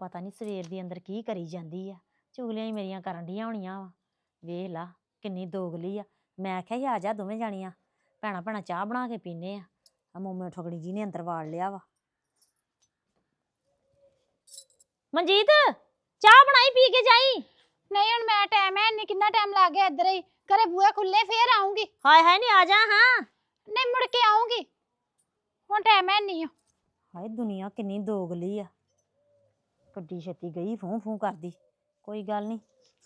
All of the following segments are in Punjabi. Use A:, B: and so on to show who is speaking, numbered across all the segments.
A: ਪਤਾ ਨਹੀਂ ਸਵੇਰ ਦੀ ਅੰਦਰ ਕੀ ਕਰੀ ਜਾਂਦੀ ਆ। ਚੁਗਲੀਆਂ ਹੀ ਮੇਰੀਆਂ ਕਰਨ ਡੀਆਂ ਹੋਣੀਆਂ ਵਾ। ਵੇਖ ਲਾ ਕਿੰਨੀ ਦੋਗਲੀ ਆ। ਮੈਂ ਆਖਿਆ ਸੀ ਆ ਜਾ ਦੋਵੇਂ ਜਾਣੀਆਂ ਭੈਣਾਂ ਭੈਣਾਂ ਚਾਹ ਬਣਾ ਕੇ ਪੀਨੇ ਆ। ਮੋਮੇ ਠੋਕੜੀ ਜੀ ਨੇ ਅੰਦਰ ਵਾੜ ਲਿਆ ਵਾ। ਮਨਜੀਤ ਚਾਹ ਬਣਾਈ ਪੀ ਕੇ ਜਾਈ।
B: ਨਹੀਂ ਹੁਣ ਮੈਂ ਟਾਈਮ ਹੈ ਨਹੀਂ, ਕਿੰਨਾ ਟਾਈਮ ਲੱਗ ਗਿਆ ਇੱਧਰ ਹੀ ਘਰੇ ਬੂਹੇ ਖੁੱਲੇ ਫੇਰ ਆਉਂਗੀ।
A: ਹਾਏ ਹਾਏ ਨਹੀਂ ਆ ਜਾ ਹਾਂ।
B: ਨਹੀਂ ਮੁੜ ਕੇ ਆਉਂਗੀ, ਹੁਣ ਟਾਈਮ ਹੈ ਨਹੀਂ।
A: ਹਾਏ ਦੁਨੀਆ ਕਿੰਨੀ ਦੋਗਲੀ ਆ। ਕੱਡੀ ਛੇਤੀ ਗਈ ਫੂੰ ਫੂੰ ਕਰਦੀ। ਕੋਈ ਗੱਲ ਨਹੀਂ।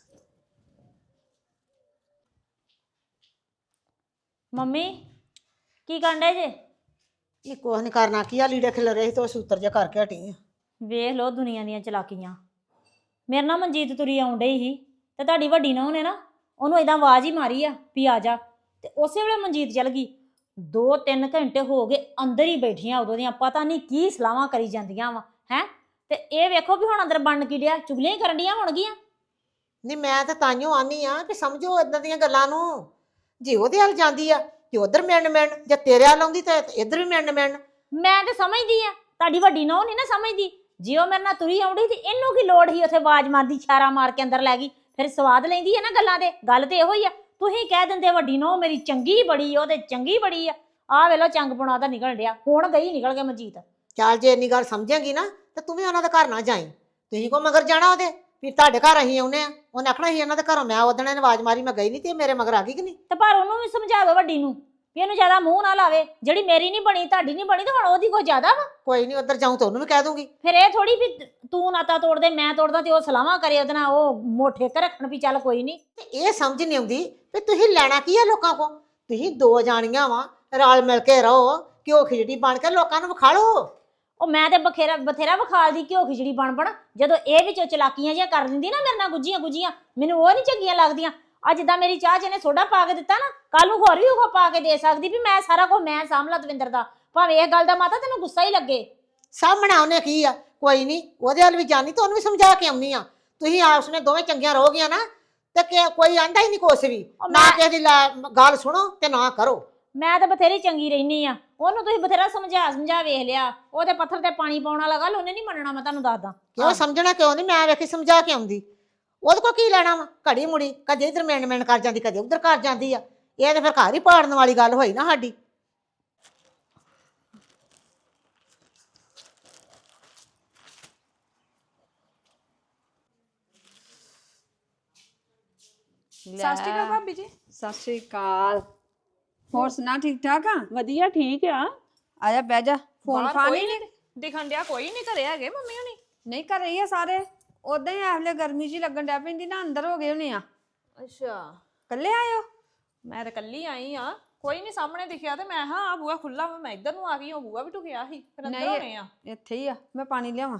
A: ਮੰਮੀ ਕੀ ਕਰਨ ਡੇ ਜੇ?
C: ਇਹ ਕੁਛ ਨਹੀਂ ਕਰਨਾ, ਕੀ ਆ ਲੀੜੇ ਖਿਲ ਰਹੇ ਸੀ ਤੇ ਸੂਤਰ ਜਿਹਾ ਕਰਕੇ ਹਟੀ ਆ।
A: ਵੇਖ ਲੋ ਦੁਨੀਆ ਦੀਆਂ ਚਲਾਕੀਆਂ। ਮੇਰੇ ਨਾਲ ਮਨਜੀਤ ਤੁਰੀ ਆਉਣ ਡਈ ਸੀ ਤੇ ਤੁਹਾਡੀ ਵੱਡੀ ਨੂੰਹ ਨੇ ਨਾ ਉਹਨੂੰ ਏਦਾਂ ਆਵਾਜ਼ ਹੀ ਮਾਰੀ ਆ ਵੀ ਆ ਜਾ, ਤੇ ਉਸੇ ਵੇਲੇ ਮਨਜੀਤ ਚਲ ਗਈ। 2-3 ਘੰਟੇ ਹੋ ਗਏ ਅੰਦਰ ਹੀ ਬੈਠੀਆਂ ਉਦੋਂ ਦੀਆਂ, ਪਤਾ ਨਹੀਂ ਕੀ ਸਲਾਹਾਂ ਕਰੀ ਜਾਂਦੀਆਂ ਵਾ ਹੈ। ਤੇ ਇਹ ਵੇਖੋ ਵੀ ਹੁਣ ਅੰਦਰ ਬਣ ਕੀ ਡਿਆ, ਚੁਗਲੀਆਂ ਹੀ ਕਰਨ ਡੀਆਂ ਹੋਣਗੀਆਂ।
C: ਨਹੀਂ ਮੈਂ ਤਾਂ ਤਾਈਓ ਆਨੀ ਆ ਕਿ ਸਮਝੋ ਇਦਾਂ ਦੀਆਂ ਗੱਲਾਂ ਨੂੰ। ਜੇ ਉਹਦੇ ਵੱਲ ਜਾਂਦੀ ਆ ਕਿ ਉਧਰ ਮਿਲਣ ਜੇ ਤੇਰੇ ਵੱਲ ਆਉਂਦੀ ਤਾਂ ਇੱਧਰ ਵੀ ਮਿਲਣ।
A: ਮੈਂ ਤੇ ਸਮਝਦੀ ਆ, ਤੁਹਾਡੀ ਵੱਡੀ ਨੂੰਹ ਨਹੀਂ ਨਾ ਸਮਝਦੀ। ਜੇ ਉਹ ਮੇਰੇ ਨਾਲ ਤੁਰੀ ਆਉਂਦੀ ਤੇ ਇਹਨੂੰ ਕੀ ਲੋੜ ਸੀ ਉੱਥੇ ਆਵਾਜ਼ ਮਾਰਦੀ, ਇਸ਼ਾਰਾ ਮਾਰ ਕੇ ਅੰਦਰ ਲੈ ਗਈ। ਫਿਰ ਸਵਾਦ ਲੈਂਦੀ ਹੈ ਨਾ ਗੱਲਾਂ ਦੇ। ਗੱਲ ਤੇ ਇਹੋ ਹੀ ਆ। ਤੁਸੀਂ ਕਹਿ ਦਿੰਦੇ ਵੱਡੀ ਨੂੰਹ ਮੇਰੀ ਚੰਗੀ ਬੜੀ, ਉਹ ਤੇ ਚੰਗੀ ਬੜੀ ਆ। ਆਹ ਵੇਲੋ ਚੰਗ ਪੁਣਾ ਤਾਂ ਨਿਕਲ ਡਿਆ, ਹੁਣ ਗਈ ਨਿਕਲ ਕੇ ਮਨਜੀਤ।
C: ਚੱਲ ਜੇ ਇੰਨੀ ਗੱਲ ਸਮਝੇਂਗੀ ਨਾ ਤੇ ਤੂੰ ਵੀ ਉਹਨਾਂ ਦੇ ਘਰ ਨਾ ਜਾਈਂ। ਤੁਸੀਂ ਕੋ ਮਗਰ ਜਾਣਾ ਉਹਦੇ ਵੀ ਤੁਹਾਡੇ ਘਰ ਅਸੀਂ ਆਉਨੇ ਆ। ਉਹਨੇ ਆਖਣਾ ਸੀ ਇਹਨਾਂ ਦੇ ਘਰੋਂ ਮੈਂ ਉਦਣ ਇਹਨੇ ਆਵਾਜ਼ ਮਾਰੀ ਮੈਂ ਗਈ ਨਹੀਂ ਤੇ ਮੇਰੇ ਮਗਰ ਆ ਗਈ ਕਿ ਨਹੀਂ।
A: ਤੇ ਪਰ ਉਹਨੂੰ ਵੀ ਸਮਝਾ ਦਿਓ ਵੱਡੀ ਨੂੰ ਵੀ ਇਹਨੂੰ ਜ਼ਿਆਦਾ ਮੂੰਹ ਨਾ ਲਾਵੇ। ਜਿਹੜੀ ਮੇਰੀ ਨਹੀਂ ਬਣੀ ਤੁਹਾਡੀ ਨਹੀਂ ਬਣੀ ਤੇ ਹੁਣ ਉਹਦੀ ਕੋਈ ਜ਼ਿਆਦਾ ਵਾ।
C: ਕੋਈ ਨਹੀਂ ਉਧਰ ਜਾਊਂ ਤਾਂ ਉਹਨੂੰ ਵੀ ਕਹਿ ਦੂੰਗੀ।
A: ਫਿਰ ਇਹ ਥੋੜੀ ਵੀ ਤੂੰ ਨਾਤਾ ਤੋੜਦੇ ਮੈਂ ਤੋੜਦਾ ਤੇ ਉਹ ਸਲਾਹਾਂ ਕਰੇ ਉਹਦੇ ਨਾਲ, ਉਹ ਮੋਠੇ ਕੇ ਰੱਖਣ ਵੀ ਚੱਲ ਕੋਈ ਨਹੀਂ।
C: ਤੇ ਇਹ ਸਮਝ ਨਹੀਂ ਆਉਂਦੀ ਵੀ ਤੁਸੀਂ ਲੈਣਾ ਕੀ ਆ ਲੋਕਾਂ ਕੋ। ਤੁਸੀਂ ਦੋ ਜਾਣੀਆਂ ਵਾ, ਰਲ ਮਿਲ ਕੇ ਰਹੋ, ਘਿਓ ਖਿਚੜੀ ਬਣ ਕੇ ਲੋਕਾਂ ਨੂੰ ਵਿਖਾ ਲਓ।
A: ਉਹ ਮੈਂ ਤੇ ਬਥੇਰਾ ਵਿਖਾਲਦੀ ਘਿਓ ਖਿਚੜੀ ਬਣ ਜਦੋਂ ਇਹ ਵਿੱਚੋਂ ਚਲਾਕੀਆਂ ਜਿਹੀਆਂ ਕਰ ਦਿੰਦੀ ਨਾ ਮੇਰੇ ਨਾਲ ਗੁੱਜੀਆਂ ਮੈਨੂੰ ਉਹ ਨਹੀਂ ਚੰਗੀਆਂ ਲੱਗਦੀਆਂ। ਅੱਜ ਜਿੱਦਾਂ ਮੇਰੀ ਚਾਹ ਜਿਹਨੇ ਸੋਡਾ ਪਾ ਕੇ ਦਿੱਤਾ ਨਾ, ਕੱਲ ਨੂੰ ਹੋਰ ਵੀ ਉਹ ਪਾ ਕੇ ਦੇ ਸਕਦੀ ਵੀ ਮੈਂ ਸਾਰਾ ਕੁਝ ਮੈਂ ਸਾਂਭਲਾ ਦਵਿੰਦਰ ਦਾ। ਭਾਵੇਂ ਇਹ ਗੱਲ ਦਾ ਮਾਤਾ ਤੈਨੂੰ ਗੁੱਸਾ ਹੀ ਲੱਗੇ।
C: ਸਾਹਮਣਾ ਉਹਨੇ ਕੀ ਆ, ਕੋਈ ਨਹੀਂ ਉਹਦੇ ਵੱਲ ਵੀ ਜਾਣੀ ਤਾਂ ਉਹਨੂੰ ਵੀ ਸਮਝਾ ਕੇ ਆਉਣੀ ਆ। ਤੁਸੀਂ ਆਪਸ ਵਿੱਚ ਦੋਵੇਂ ਚੰਗੀਆਂ ਰਹੋਗੀਆਂ ਨਾ ਤੇ ਕੋਈ ਆਂਦਾ ਹੀ ਨਹੀਂ ਕੁਛ ਵੀ। ਨਾ ਕਿਸੇ ਦੀ ਗੱਲ ਸੁਣੋ ਤੇ ਨਾ ਕਰੋ।
A: ਮੈਂ ਤਾਂ ਬਥੇਰੀ ਚੰਗੀ ਰਹਿਨੀ ਆ। ਉਹਨੂੰ ਤੁਸੀਂ ਬਥੇਰਾ ਸਮਝਾ ਵੇਖ ਲਿਆ। ਉਹਦੇ ਪੱਥਰ ਤੇ ਪਾਣੀ ਪਾਉਣ ਵਾਲਾ ਗੱਲ ਉਹਨੇ ਨਹੀਂ ਮੰਨਣਾ, ਮੈਂ ਤੁਹਾਨੂੰ ਦੱਸਦਾ।
C: ਕਿਉਂ ਸਮਝਣਾ ਕਿਉਂ ਨਹੀਂ? ਮੈਂ ਵੇਖੀ ਸਮਝਾ ਕੇ ਆਉਂਦੀ। ਉਹਦੇ ਕੋਲ ਕੀ ਲੈਣਾ ਵਾ? ਘੜੀ ਮੁੜੀ ਕਦੇ ਇੱਧਰ ਮਿੰਨ ਕਰ ਜਾਂਦੀ, ਕਦੇ ਉੱਧਰ ਕਰ ਜਾਂਦੀ ਆ। ਇਹ ਤੇ ਫਿਰ ਘਰ ਹੀ ਪਾੜਨ ਵਾਲੀ ਗੱਲ ਹੋਈ ਨਾ ਸਾਡੀ।
D: ਸਤਿ ਸ਼੍ਰੀ ਅਕਾਲ ਭਾਬੀ ਜੀ।
E: ਸਤਿ ਸ਼੍ਰੀ ਅਕਾਲ। ਹੋਰ ਸੁਣਾ ਠੀਕ ਠਾਕ ਆ?
D: ਵਧੀਆ ਠੀਕ ਆ।
E: ਆਜਾ ਬਹਿ ਜਾ। ਫੋਨ ਫਾਨ
D: ਕੋਈ
E: ਨਹੀਂ?
D: ਨਹੀਂ ਦਿਖਣ ਡਿਆ, ਕੋਈ ਨਹੀਂ ਘਰੇ ਹੈਗੇ ਮੰਮੀ ਹੁਣੀ।
E: ਨਹੀਂ ਕਰ ਰਹੀ ਆ ਸਾਰੇ। ਉਦਾਂ ਹੀ ਆਹਲੇ ਗਰਮੀ ਜੀ ਲੱਗਣ ਡਿਆ ਪੈਂਦੀ ਨਾ, ਅੰਦਰ ਹੋ ਗਏ ਹੋਣੇ ਆ।
D: ਅੱਛਾ
E: ਕੱਲੇ ਆਇਓ?
D: ਮੈਂ ਤਾਂ ਕੱਲੀ ਆਈ ਆ। ਕੋਈ ਨਹੀਂ ਸਾਹਮਣੇ ਦਿਖਿਆ ਤੇ ਮੈਂ ਹਾਂ ਆ ਬੂਆ ਖੁੱਲਾ ਵਾ, ਮੈਂ ਇੱਧਰ ਨੂੰ ਆ ਗਈ। ਉਹ ਬੂਆ ਵੀ ਟੁਕਿਆ ਸੀ, ਫਿਰ ਅੰਦਰ ਹੋਣੇ ਆ।
E: ਇੱਥੇ ਹੀ ਆ, ਮੈਂ ਪਾਣੀ ਲਿਆਵਾਂ।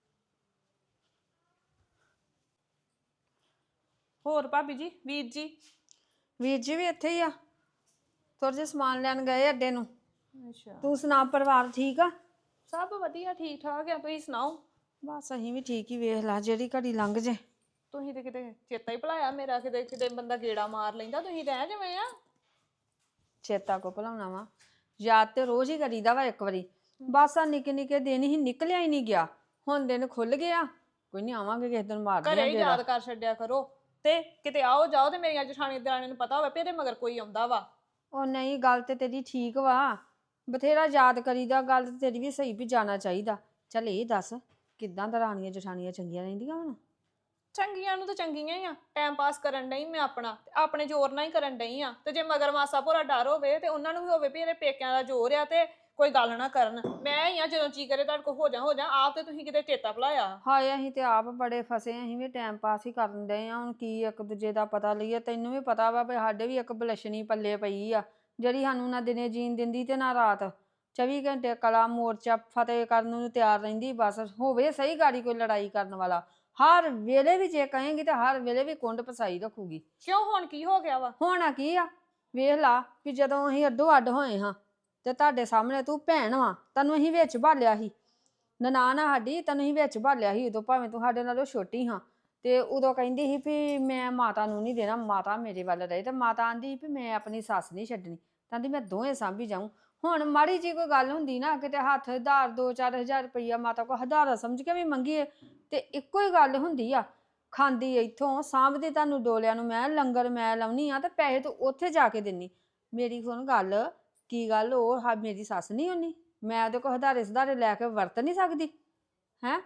D: ਹੋਰ ਭਾਬੀ ਜੀ, ਵੀਰ ਜੀ?
E: ਵੀਰ ਜੀ ਵੀ ਇੱਥੇ ਹੀ ਆ, ਥੋੜਾ ਜਿਹਾ ਸਮਾਨ ਲੈਣ ਗਏ ਅੱਡੇ ਨੂੰ।
D: ਅੱਛਾ
E: ਤੂੰ ਸੁਣਾ, ਪਰਿਵਾਰ ਠੀਕ ਆ?
D: ਸਭ ਵਧੀਆ ਠੀਕ ਠਾਕ ਆ। ਤੁਸੀਂ ਸੁਣਾਓ?
E: ਬਸ ਅਸੀਂ ਵੀ ਠੀਕ ਹੀ। ਵੇਖ ਲਾ ਜਿਹੜੀ ਘੜੀ ਲੰਘ ਜੇ।
D: ਤੁਸੀਂ ਤੇ ਕਿਤੇ ਚੇਤਾ ਹੀ ਭੁਲਾਇਆ ਮੇਰਾ। ਕਿਤੇ ਬੰਦਾ ਗੇੜਾ ਮਾਰ ਲੈਂਦਾ, ਤੁਸੀਂ ਰਹਿ ਜਿਵੇਂ ਆ।
E: ਚੇਤਾ ਕੋ ਭੁਲਾਉਣਾ ਵਾ, ਯਾਦ ਤੇ ਰੋਜ਼ ਹੀ ਕਰੀਦਾ ਵਾ। ਇੱਕ ਵਾਰੀ ਬਸ ਆ ਨਿੱਕੇ ਨਿੱਕੇ ਦਿਨ ਹੀ ਨਿਕਲਿਆ ਹੀ ਨਹੀਂ ਗਿਆ। ਹੁਣ ਦਿਨ ਖੁੱਲ ਗਿਆ, ਕੋਈ ਨਹੀਂ ਆਵਾਂਗੇ ਕਿਸੇ ਦਿਨ ਮਾਰਦੇ
D: ਘਰੇ ਹੀ ਯਾਦ ਕਰ ਛੱਡਿਆ ਕਰੋ। ਤੇ ਕਿਤੇ ਆਓ ਜਾਓ ਤੇ ਮੇਰੀਆਂ ਜਠਾਣੀ ਦਰਾਣੀ ਨੂੰ ਪਤਾ ਹੋਵੇ ਵੀ ਇਹਦੇ ਮਗਰ ਕੋਈ ਆਉਂਦਾ ਵਾ।
E: ਉਹ ਨਹੀਂ, ਗੱਲ ਤੇ ਤੇਰੀ ਠੀਕ ਵਾ, ਬਥੇਰਾ ਯਾਦ ਕਰੀਦਾ। ਗੱਲ ਤੇ ਤੇਰੀ ਵੀ ਸਹੀ ਵੀ ਜਾਣਾ ਚਾਹੀਦਾ। ਚੱਲ ਇਹ ਦੱਸ, ਕਿੱਦਾਂ ਦਰਾਣੀਆਂ ਜਠਾਣੀਆਂ ਚੰਗੀਆਂ ਰਹਿੰਦੀਆਂ ਹੁਣ?
D: ਚੰਗੀਆਂ ਨੂੰ ਤਾਂ ਚੰਗੀਆਂ ਹੀ ਆ। ਟਾਈਮ ਪਾਸ ਕਰਨ ਡਈ ਮੈਂ ਆਪਣਾ, ਤੇ ਆਪਣੇ ਜ਼ੋਰ ਨਾਲ ਹੀ ਕਰਨ ਡਈ ਆ। ਤੇ ਜੇ ਮਗਰ ਮਾਸਾ ਭੋਰਾ ਡਰ ਹੋਵੇ ਤੇ ਉਹਨਾਂ ਨੂੰ ਵੀ ਹੋਵੇ ਵੀ ਇਹਦੇ ਪੇਕਿਆਂ ਦਾ ਜ਼ੋਰ ਆ ਤੇ ਕੋਈ ਗੱਲ ਨਾ ਕਰਨ। ਮੈਂ ਹੀ ਆ ਜਦੋਂ ਜੀ ਕਰੇ ਤੁਹਾਡੇ ਕੋਲ ਹੋ ਜਾ। ਆਪ ਤੇ ਤੁਸੀਂ ਕਿਤੇ ਚੇਤਾ ਭੁਲਾਇਆ।
E: ਹਾਏ ਅਸੀਂ ਤੇ ਆਪ ਬੜੇ ਫਸੇ। ਅਸੀਂ ਵੀ ਟਾਈਮ ਪਾਸ ਹੀ ਕਰਨ ਡਏ ਆ। ਹੁਣ ਕੀ ਇੱਕ ਦੂਜੇ ਦਾ ਪਤਾ ਲਈਏ? ਤੈਨੂੰ ਵੀ ਪਤਾ ਵਾ ਵੀ ਸਾਡੇ ਵੀ ਇੱਕ ਬਲਸ਼ਣੀ ਪੱਲੇ ਪਈ ਆ, ਜਿਹੜੀ ਸਾਨੂੰ ਨਾ ਦਿਨੇ ਜੀਣ ਦਿੰਦੀ ਤੇ ਨਾ ਰਾਤ। 24 ਘੰਟੇ ਕਲਾ ਮੋਰਚਾ ਫਤਿਹ ਕਰਨ ਨੂੰ ਤਿਆਰ ਰਹਿੰਦੀ। ਬਸ ਹੋਵੇ ਸਹੀ ਗਾੜੀ ਕੋਈ ਲੜਾਈ ਕਰਨ ਵਾਲਾ। ਹਰ ਵੇਲੇ ਵੀ ਜੇ ਕਹੇਂਗੀ ਤੇ ਹਰ ਵੇਲੇ ਵੀ ਕੁੰਡ ਪਸਾਈ ਰੱਖੂਗੀ।
D: ਕਿਉਂ ਹੁਣ ਕੀ ਹੋ ਗਿਆ ਵਾ?
E: ਹੋਣਾ ਕੀ ਆ? ਵੇਖ ਲਾ ਵੀ ਜਦੋਂ ਅਸੀਂ ਅੱਡੋ ਅੱਡ ਹੋਏ ਹਾਂ ਤੇ ਤੁਹਾਡੇ ਸਾਹਮਣੇ ਤੂੰ ਭੈਣ ਵਾ, ਤੈਨੂੰ ਅਸੀਂ ਵਿੱਚ ਭਾਲਿਆ ਸੀ। ਨਨਾਣ ਆ ਸਾਡੀ, ਤੈਨੂੰ ਅਸੀਂ ਵਿੱਚ ਭਾਲਿਆ ਸੀ ਉਦੋਂ, ਭਾਵੇਂ ਤੂੰ ਸਾਡੇ ਨਾਲੋਂ ਛੋਟੀ ਹਾਂ। ਤੇ ਉਦੋਂ ਕਹਿੰਦੀ ਸੀ ਵੀ ਮੈਂ ਮਾਤਾ ਨੂੰ ਨਹੀਂ ਦੇਣਾ, ਮਾਤਾ ਮੇਰੇ ਵੱਲ ਰਹੇ। ਤੇ ਮਾਤਾ ਆਂਦੀ ਸੀ ਵੀ ਮੈਂ ਆਪਣੀ ਸੱਸ ਨਹੀਂ ਛੱਡਣੀ, ਕਹਿੰਦੀ ਮੈਂ ਦੋਵੇਂ ਸਾਂਭੀ ਜਾਊਂ। ਹੁਣ ਮਾੜੀ ਜੀ ਕੋਈ ਗੱਲ ਹੁੰਦੀ ਨਾ ਕਿਤੇ ਹੱਥ ਹਜ਼ਾਰ 2-4 ਹਜ਼ਾਰ ਰੁਪਈਆ ਮਾਤਾ ਕੋ ਹਜ਼ਾਰਾ ਸਮਝ ਕੇ ਵੀ ਮੰਗੀਏ ਤੇ ਇੱਕੋ ਹੀ ਗੱਲ ਹੁੰਦੀ ਆ, ਖਾਂਦੀ ਇੱਥੋਂ ਸਾਂਭਦੀ ਤੁਹਾਨੂੰ ਡੋਲਿਆਂ ਨੂੰ, ਮੈਂ ਲੰਗਰ ਮੈਂ ਲਾਉਣੀ ਆ ਤੇ ਪੈਸੇ ਤੂੰ ਉੱਥੇ ਜਾ ਕੇ ਦਿੰਨੀ। ਮੇਰੀ ਹੁਣ ਗੱਲ ਕੀ ਗੱਲ ਉਹ ਮੇਰੀ ਸੱਸ ਨਹੀਂ ਹੁੰਨੀ, ਮੈਂ ਉਹਦੇ ਕੋਲ ਹਜ਼ਾਰੇ ਸੁਧਾਰੇ ਲੈ ਕੇ ਵਰਤ ਨਹੀਂ ਸਕਦੀ ਹੈ?